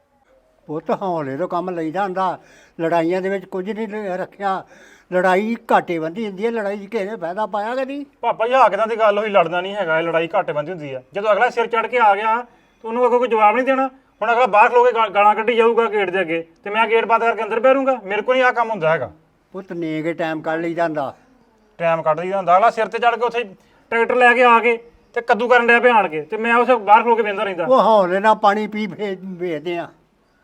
S8: ਪੁੱਤ ਹੌਲੇ ਤੋਂ ਕੰਮ ਲਈਦਾ ਹੁੰਦਾ ਲੜਾਈਆਂ ਦੇ ਵਿੱਚ ਕੁਝ ਨਹੀਂ ਰੱਖਿਆ ਲੜਾਈ ਘਾਟੇ ਬੰਦੀ ਹੁੰਦੀ ਹੈ ਲੜਾਈ 'ਚ ਕਿਸੇ ਨੇ ਫਾਇਦਾ ਪਾਇਆ ਕਦੀ
S10: ਪਾਪਾ ਜੀ ਆ ਕਿਦਾਂ ਦੀ ਗੱਲ ਹੋਈ ਲੜਨਾ ਨਹੀਂ ਹੈਗਾ ਇਹ ਲੜਾਈ ਘਾਟੇ ਬੰਦੀ ਹੁੰਦੀ ਆ ਜਦੋਂ ਅਗਲਾ ਸਿਰ ਚੜ ਕੇ ਆ ਗਿਆ ਤੇ ਉਹਨੂੰ ਅੱਗੋਂ ਕੋਈ ਜਵਾਬ ਨਹੀਂ ਦੇਣਾ ਹੁਣ ਅਗਲਾ ਬਾਹਰ ਖਲੋ ਕੇ ਗਾਲਾਂ ਕੱਢੀ ਜਾਊਗਾ ਗੇਟ ਦੇ ਅੱਗੇ ਤੇ ਮੈਂ ਗੇਟ ਬੰਦ ਕਰਕੇ ਅੰਦਰ ਬੈਠੂੰਗਾ ਮੇਰੇ ਕੋਲ ਨਹੀਂ ਆ ਕੰਮ ਹੁੰਦਾ ਹੈਗਾ
S8: ਪੁੱਤ ਨੇ ਕੇ ਟਾਈਮ ਕੱਢ ਲਈਦਾ ਹੁੰਦਾ
S10: ਟਾਈਮ ਕੱਢ ਲਈਦਾ ਹੁੰਦਾ ਅਗਲਾ ਸਿਰ ਤੇ ਚੜ ਕੇ ਉੱਥੇ ਟਰੈਕਟਰ ਲੈ ਕੇ ਆ ਕੇ ਤੇ ਕੱਦੂ ਕਰਨ ਡਿਆ ਪਿਆ ਆਣ ਕੇ ਤੇ ਮੈਂ ਉੱਥੇ ਬਾਹਰ ਖਲੋ ਕੇ ਵੇਂਦਾ ਰਹਿੰਦਾ
S8: ਉਹ ਹੌਲੇ ਨਾਲ ਪਾਣੀ ਪੀ ਵੇਚਦੇ ਆ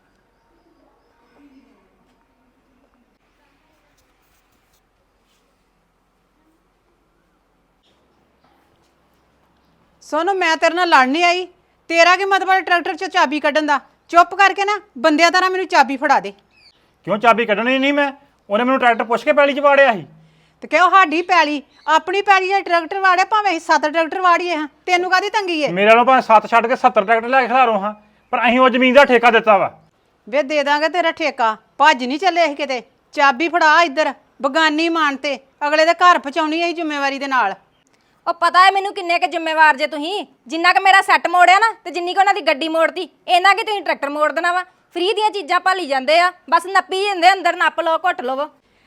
S4: ਸੋਨੂੰ ਮੈਂ ਤੇਰੇ ਨਾਲ ਲੜ ਨਹੀਂ ਆਈ ਤੇਰਾ ਕੀ ਮਤਲਬ ਟਰੈਕਟਰ 'ਚ ਚਾਬੀ ਕੱਢਣ ਦਾ ਚੁੱਪ ਕਰਕੇ ਨਾ ਬੰਦਿਆਂ ਤਰ੍ਹਾਂ ਮੈਨੂੰ ਚਾਬੀ ਫੜਾ ਦੇ
S10: ਕਿਉਂ ਚਾਬੀ ਕੱਢਣੀ ਨਹੀਂ ਮੈਂ ਉਹਨੇ ਮੈਨੂੰ ਟਰੈਕਟਰ ਪੁੱਛ ਕੇ ਪੈਲੀ 'ਚ ਵਾੜਿਆ ਸੀ
S4: ਤੇ ਕਿਉਂ ਸਾਡੀ ਪੈਲੀ ਆਪਣੀ ਪੈਲੀ ਦੇ ਟਰੈਕਟਰ ਵਾੜਿਆ ਭਾਵੇਂ ਅਸੀਂ 7 ਟਰੈਕਟਰ ਵਾੜੀਏ ਹਾਂ ਤੈਨੂੰ ਕਾਦੀ ਤੰਗੀ ਏ
S10: ਮੇਰੇ ਨਾਲੋਂ ਭਾਵੇਂ 7 ਛੱਡ ਕੇ 70 ਟਰੈਕਟਰ ਲੈ ਕੇ ਖਿਲਾਰੋ ਹਾਂ ਪਰ ਅਸੀਂ ਉਹ ਜ਼ਮੀਨ ਦਾ ਠੇਕਾ ਦਿੱਤਾ ਵਾ
S4: ਵੇ ਦੇ ਦਾਂਗੇ ਤੇਰਾ ਠੇਕਾ ਭੱਜ ਨਹੀਂ ਚੱਲੇ ਅਸੀਂ ਕਿਤੇ ਚਾਬੀ ਫੜਾ ਇੱਧਰ ਬਗਾਨੀ ਮਾਨ ਤੇ ਅਗਲੇ ਦੇ ਘਰ ਪਹੁੰਚਾਉਣੀ ਅਸੀਂ ਜ਼ਿੰਮੇਵਾਰੀ ਦੇ ਨਾਲ
S6: ਉਹ ਪਤਾ ਹੈ ਮੈਨੂੰ ਕਿੰਨੇ ਕੁ ਜ਼ਿੰਮੇਵਾਰ ਜੇ ਤੁਸੀਂ ਜਿੰਨਾ ਕੁ ਮੇਰਾ ਸੈੱਟ ਮੋੜਿਆ ਨਾ ਤੇ ਜਿੰਨੀ ਕੁ ਉਹਨਾਂ ਦੀ ਗੱਡੀ ਮੋੜਤੀ ਇਹਨਾਂ ਕਿ ਤੁਸੀਂ ਟਰੈਕਟਰ ਮੋੜ ਦੇਣਾ ਵਾ ਫ੍ਰੀ ਦੀਆਂ ਚੀਜ਼ਾਂ ਭਾਲੀ ਜਾਂਦੇ ਆ ਬਸ ਨੱਪੀ ਜਾਂਦੇ ਅੰਦਰ ਨੱਪ ਲਓ ਘੁੱਟ ਲਵੋ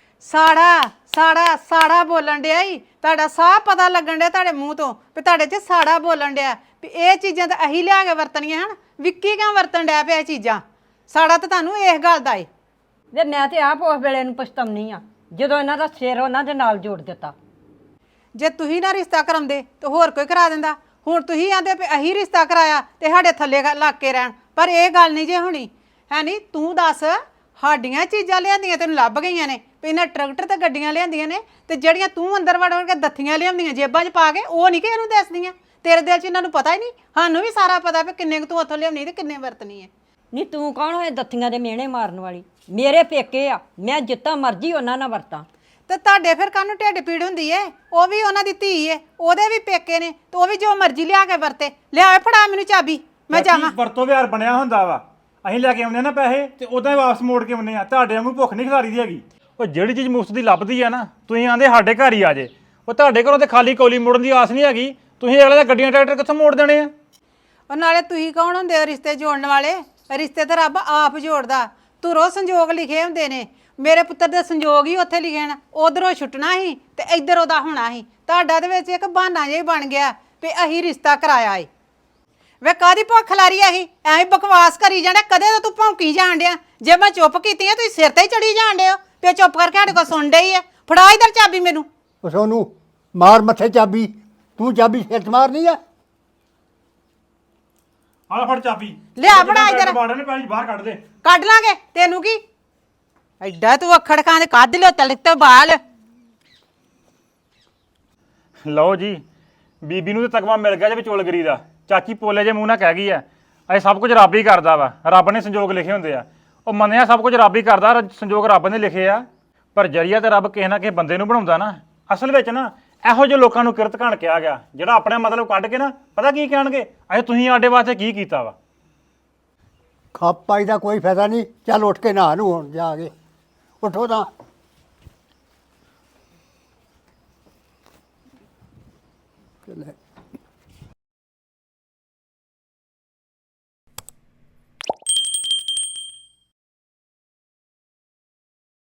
S6: ਸਾੜਾ ਬੋਲਣ ਡਿਆ ਈ ਤੁਹਾਡਾ ਸਾਹ ਪਤਾ ਲੱਗਣ ਡਿਆ ਤੁਹਾਡੇ ਮੂੰਹ ਤੋਂ ਵੀ ਤੁਹਾਡੇ 'ਚ ਸਾੜਾ ਬੋਲਣ ਡਿਆ ਵੀ ਇਹ ਚੀਜ਼ਾਂ ਤਾਂ ਅਸੀਂ ਲਿਆ ਕੇ ਵਰਤਣੀਆਂ ਹਨ ਵਿੱਕੀ ਕਿਉਂ ਵਰਤਣ ਡਿਆ ਪਿਆ ਇਹ ਚੀਜ਼ਾਂ ਸਾੜਾ ਤਾਂ ਤੁਹਾਨੂੰ ਇਸ ਗੱਲ ਦਾ ਏ
S7: ਵੇ ਮੈਂ ਤੇ ਆਪ ਉਸ ਵੇਲੇ ਨੂੰ ਪਛਤਾਉਣੀ ਆ ਜਦੋਂ ਇਹਨਾਂ ਦਾ ਸਿਰ ਉਹਨਾਂ ਦੇ ਨਾਲ ਜੋੜ ਦਿੱਤਾ
S4: ਜੇ ਤੁਸੀਂ ਨਾ ਰਿਸ਼ਤਾ ਕਰਾਉਂਦੇ ਤਾਂ ਹੋਰ ਕੋਈ ਕਰਾ ਦਿੰਦਾ ਹੁਣ ਤੁਸੀਂ ਆਂਦੇ ਵੀ ਅਸੀਂ ਰਿਸ਼ਤਾ ਕਰਾਇਆ ਤੇ ਸਾਡੇ ਥੱਲੇ ਲੱਗ ਕੇ ਰਹਿਣ ਪਰ ਇਹ ਗੱਲ ਨਹੀਂ ਜੇ ਹੋਣੀ ਹੈ ਨਹੀਂ ਤੂੰ ਦੱਸ
S6: ਸਾਡੀਆਂ ਚੀਜ਼ਾਂ ਲਿਆਂਦੀਆਂ ਤੈਨੂੰ ਲੱਭ ਗਈਆਂ ਨੇ ਵੀ ਇਹਨਾਂ ਟਰੈਕਟਰ ਤੇ ਗੱਡੀਆਂ ਲਿਆਂਦੀਆਂ ਨੇ ਤੇ ਜਿਹੜੀਆਂ ਤੂੰ ਅੰਦਰ ਵੜ ਵੜ ਕੇ ਦੱਥੀਆਂ ਲਿਆਉਂਦੀਆਂ ਜੇਬਾਂ 'ਚ ਪਾ ਕੇ ਉਹ ਨਹੀਂ ਕਿ ਇਹਨੂੰ ਦੱਸਦੀਆਂ ਤੇਰੇ ਦਿਲ 'ਚ ਇਹਨਾਂ ਨੂੰ ਪਤਾ ਹੀ ਨਹੀਂ ਸਾਨੂੰ ਵੀ ਸਾਰਾ ਪਤਾ ਵੀ ਕਿੰਨੇ ਕੁ ਤੂੰ ਉੱਥੋਂ ਲਿਆਉਣੀ ਤੇ ਕਿੰਨੇ ਵਰਤਣੀ ਹੈ
S7: ਨਹੀਂ ਤੂੰ ਕੌਣ ਹੋਏ ਦੱਥੀਆਂ ਦੇ ਮਿਹਣੇ ਮਾਰਨ ਵਾਲੀ ਮੇਰੇ ਪੇਕੇ ਆ ਮੈਂ ਜਿੱਤਾ ਮਰਜ਼ੀ ਉਹਨਾਂ ਨਾਲ ਵਰਤਾਂ
S6: ਤੇ ਤੁਹਾਡੇ ਫਿਰ ਕਾਹਨੂੰ ਢਿੱਡ ਪੀੜ ਹੁੰਦੀ ਏ ਉਹ ਵੀ ਉਹਨਾਂ ਦੀ ਧੀ ਏ ਉਹਦੇ ਵੀ ਪੇਕੇ ਨੇ ਤੇ ਉਹ ਵੀ ਜੋ ਮਰਜ਼ੀ ਲਿਆ ਕੇ ਵਰਤੇ ਲਿਆ ਫੜਾ ਮੈਨੂੰ ਚਾਬੀ ਮੈਂ ਜਾਵਾਂ
S10: ਵਰਤੋਂ ਵਿਹਾਰ ਬਣਿਆ ਹੁੰਦਾ ਵਾ ਅਸੀਂ ਲੈ ਕੇ ਆਉਂਦੇ ਆ ਨਾ ਪੈਸੇ ਤੇ ਉਦਾਂ ਹੀ ਵਾਪਸ ਮੋੜ ਕੇ ਆਉਂਦੇ ਆ ਤੁਹਾਡੇ ਵਾਂਗੂ ਭੁੱਖ ਨਹੀਂ ਖਿਲਾਰੀ ਦੀ ਹੈਗੀ ਉਹ ਜਿਹੜੀ ਚੀਜ਼ ਮੁਫਤ ਦੀ ਲੱਭਦੀ ਆ ਨਾ ਤੁਸੀਂ ਆਂਦੇ ਸਾਡੇ ਘਰ ਹੀ ਆ ਜੇ ਉਹ ਤੁਹਾਡੇ ਘਰੋਂ ਤੇ ਖਾਲੀ ਕੌਲੀ ਮੋੜਨ ਦੀ ਆਸ ਨਹੀਂ ਹੈਗੀ ਤੁਸੀਂ ਅਗਲੇ ਦਾ ਗੱਡੀਆਂ ਟਰੈਕਟਰ ਕਿੱਥੋਂ ਮੋੜ ਦੇਣੇ ਆ
S6: ਉਹ ਨਾਲੇ ਤੁਸੀਂ ਕੌਣ ਹੁੰਦੇ ਹੋ ਰਿਸ਼ਤੇ ਜੋੜਨ ਵਾਲੇ ਰਿਸ਼ਤੇ ਤਾਂ ਰੱਬ ਆਪ ਜੋੜਦਾ ਧੁਰੋਂ ਸੰਜੋਗ ਲਿਖੇ ਹੁੰਦੇ ਨੇ ਮੇਰੇ ਪੁੱਤਰ ਦੇ ਸੰਜੋਗ ਹੀ ਉੱਥੇ ਲਿਖੇ ਹਨ ਉਧਰੋਂ ਛੁੱਟਣਾ ਸੀ ਤੇ ਇੱਧਰ ਉਹਦਾ ਹੋਣਾ ਸੀ ਤੁਹਾਡਾ ਦੇ ਵਿੱਚ ਇੱਕ ਬਹਾਨਾ ਜਿਹਾ ਹੀ ਬਣ ਗਿਆ ਵੀ ਅਸੀਂ ਰਿਸ਼ਤਾ ਕਰਾਇਆ ਏ ਵੇ ਕਾਦੀ ਭੁੱਖ ਲਾਰੀ ਆਹੀ ਐਵੇਂ ਬਕਵਾਸ ਕਰੀ ਜਾਣਾ ਕਦੇ ਤਾਂ ਤੂੰ ਭੌਂਕੀ ਜਾਣ ਡਿਆ ਜੇ ਮੈਂ ਚੁੱਪ ਕੀਤੀ ਆ ਤੁਸੀਂ ਸਿਰ ਤੇ ਹੀ ਚੜੀ ਜਾਣ ਡਿਓ ਤੇ ਚੁੱਪ ਕਰਕੇ ਸਾਡੇ ਕੋਲ ਸੁਣ ਡਈ ਆ ਫੜਾ ਇਧਰ ਚਾਬੀ ਮੈਨੂੰ
S8: ਉਹ ਸੋਨੂੰ ਮਾਰ ਮੱਥੇ ਚਾਬੀ ਤੂੰ ਚਾਬੀ ਸਿਰ 'ਚ ਮਾਰਨੀ ਆ
S10: ਆਹ ਫੜ ਚਾਬੀ
S6: ਲਿਆ ਫੜਾ ਇੱਧਰ।
S10: ਬਾੜਾਂ ਨੇ ਪੈਲੀ ਬਾਹਰ ਕੱਢ ਦੇ
S6: ਕੱਢ ਲਾਂਗੇ ਤੈਨੂੰ ਕੀ ਐਡਾ ਤੂੰ ਅੱਖੜ ਖਾਂ ਦੇ ਕੱਢ ਲਿਓ ਤਲਕ ਤੇ ਬਾਲ
S10: ਲਓ ਜੀ ਬੀਬੀ ਨੂੰ ਤੇ ਤਕਵਾ ਮਿਲ ਗਿਆ ਜੇ ਵਿਚੋਲਗਰੀ ਦਾ ਚਾਚੀ ਪੋਲੇ ਜੇ ਮੂੰਹ ਨਾਲ ਕਹਿ ਗਈ ਆ ਇਹ ਸਭ ਕੁਝ ਰੱਬ ਹੀ ਕਰਦਾ ਵਾ ਰੱਬ ਨੇ ਸੰਜੋਗ ਲਿਖੇ ਹੁੰਦੇ ਆ ਉਹ ਮੰਨਿਆ ਸਭ ਕੁਝ ਰੱਬ ਹੀ ਕਰਦਾ ਸੰਜੋਗ ਰੱਬ ਨੇ ਲਿਖੇ ਆ ਪਰ ਜਰੀਆ ਤੇ ਰੱਬ ਕਿਸੇ ਨਾ ਕਿਸੇ ਬੰਦੇ ਨੂੰ ਬਣਾਉਂਦਾ ਨਾ ਅਸਲ ਵਿੱਚ ਨਾ ਇਹੋ ਜਿਹੇ ਲੋਕਾਂ ਨੂੰ ਕਿਰਤ ਘਣ ਕਿਹਾ ਗਿਆ ਜਿਹੜਾ ਆਪਣੇ ਮਤਲਬ ਕੱਢ ਕੇ ਨਾ ਪਤਾ ਕੀ ਕਹਿਣਗੇ ਅਜੇ ਤੁਸੀਂ ਸਾਡੇ ਵਾਸਤੇ ਕੀ ਕੀਤਾ ਵਾ
S8: ਖੱਪ ਪਾਈ ਦਾ ਕੋਈ ਫਾਇਦਾ ਨਹੀਂ ਚੱਲ ਉੱਠ ਕੇ ਨਹਾ ਨੂੰ ਹੁਣ ਜਾ ਕੇ ਉੱਠੋ ਤਾਂ ਚੱਲ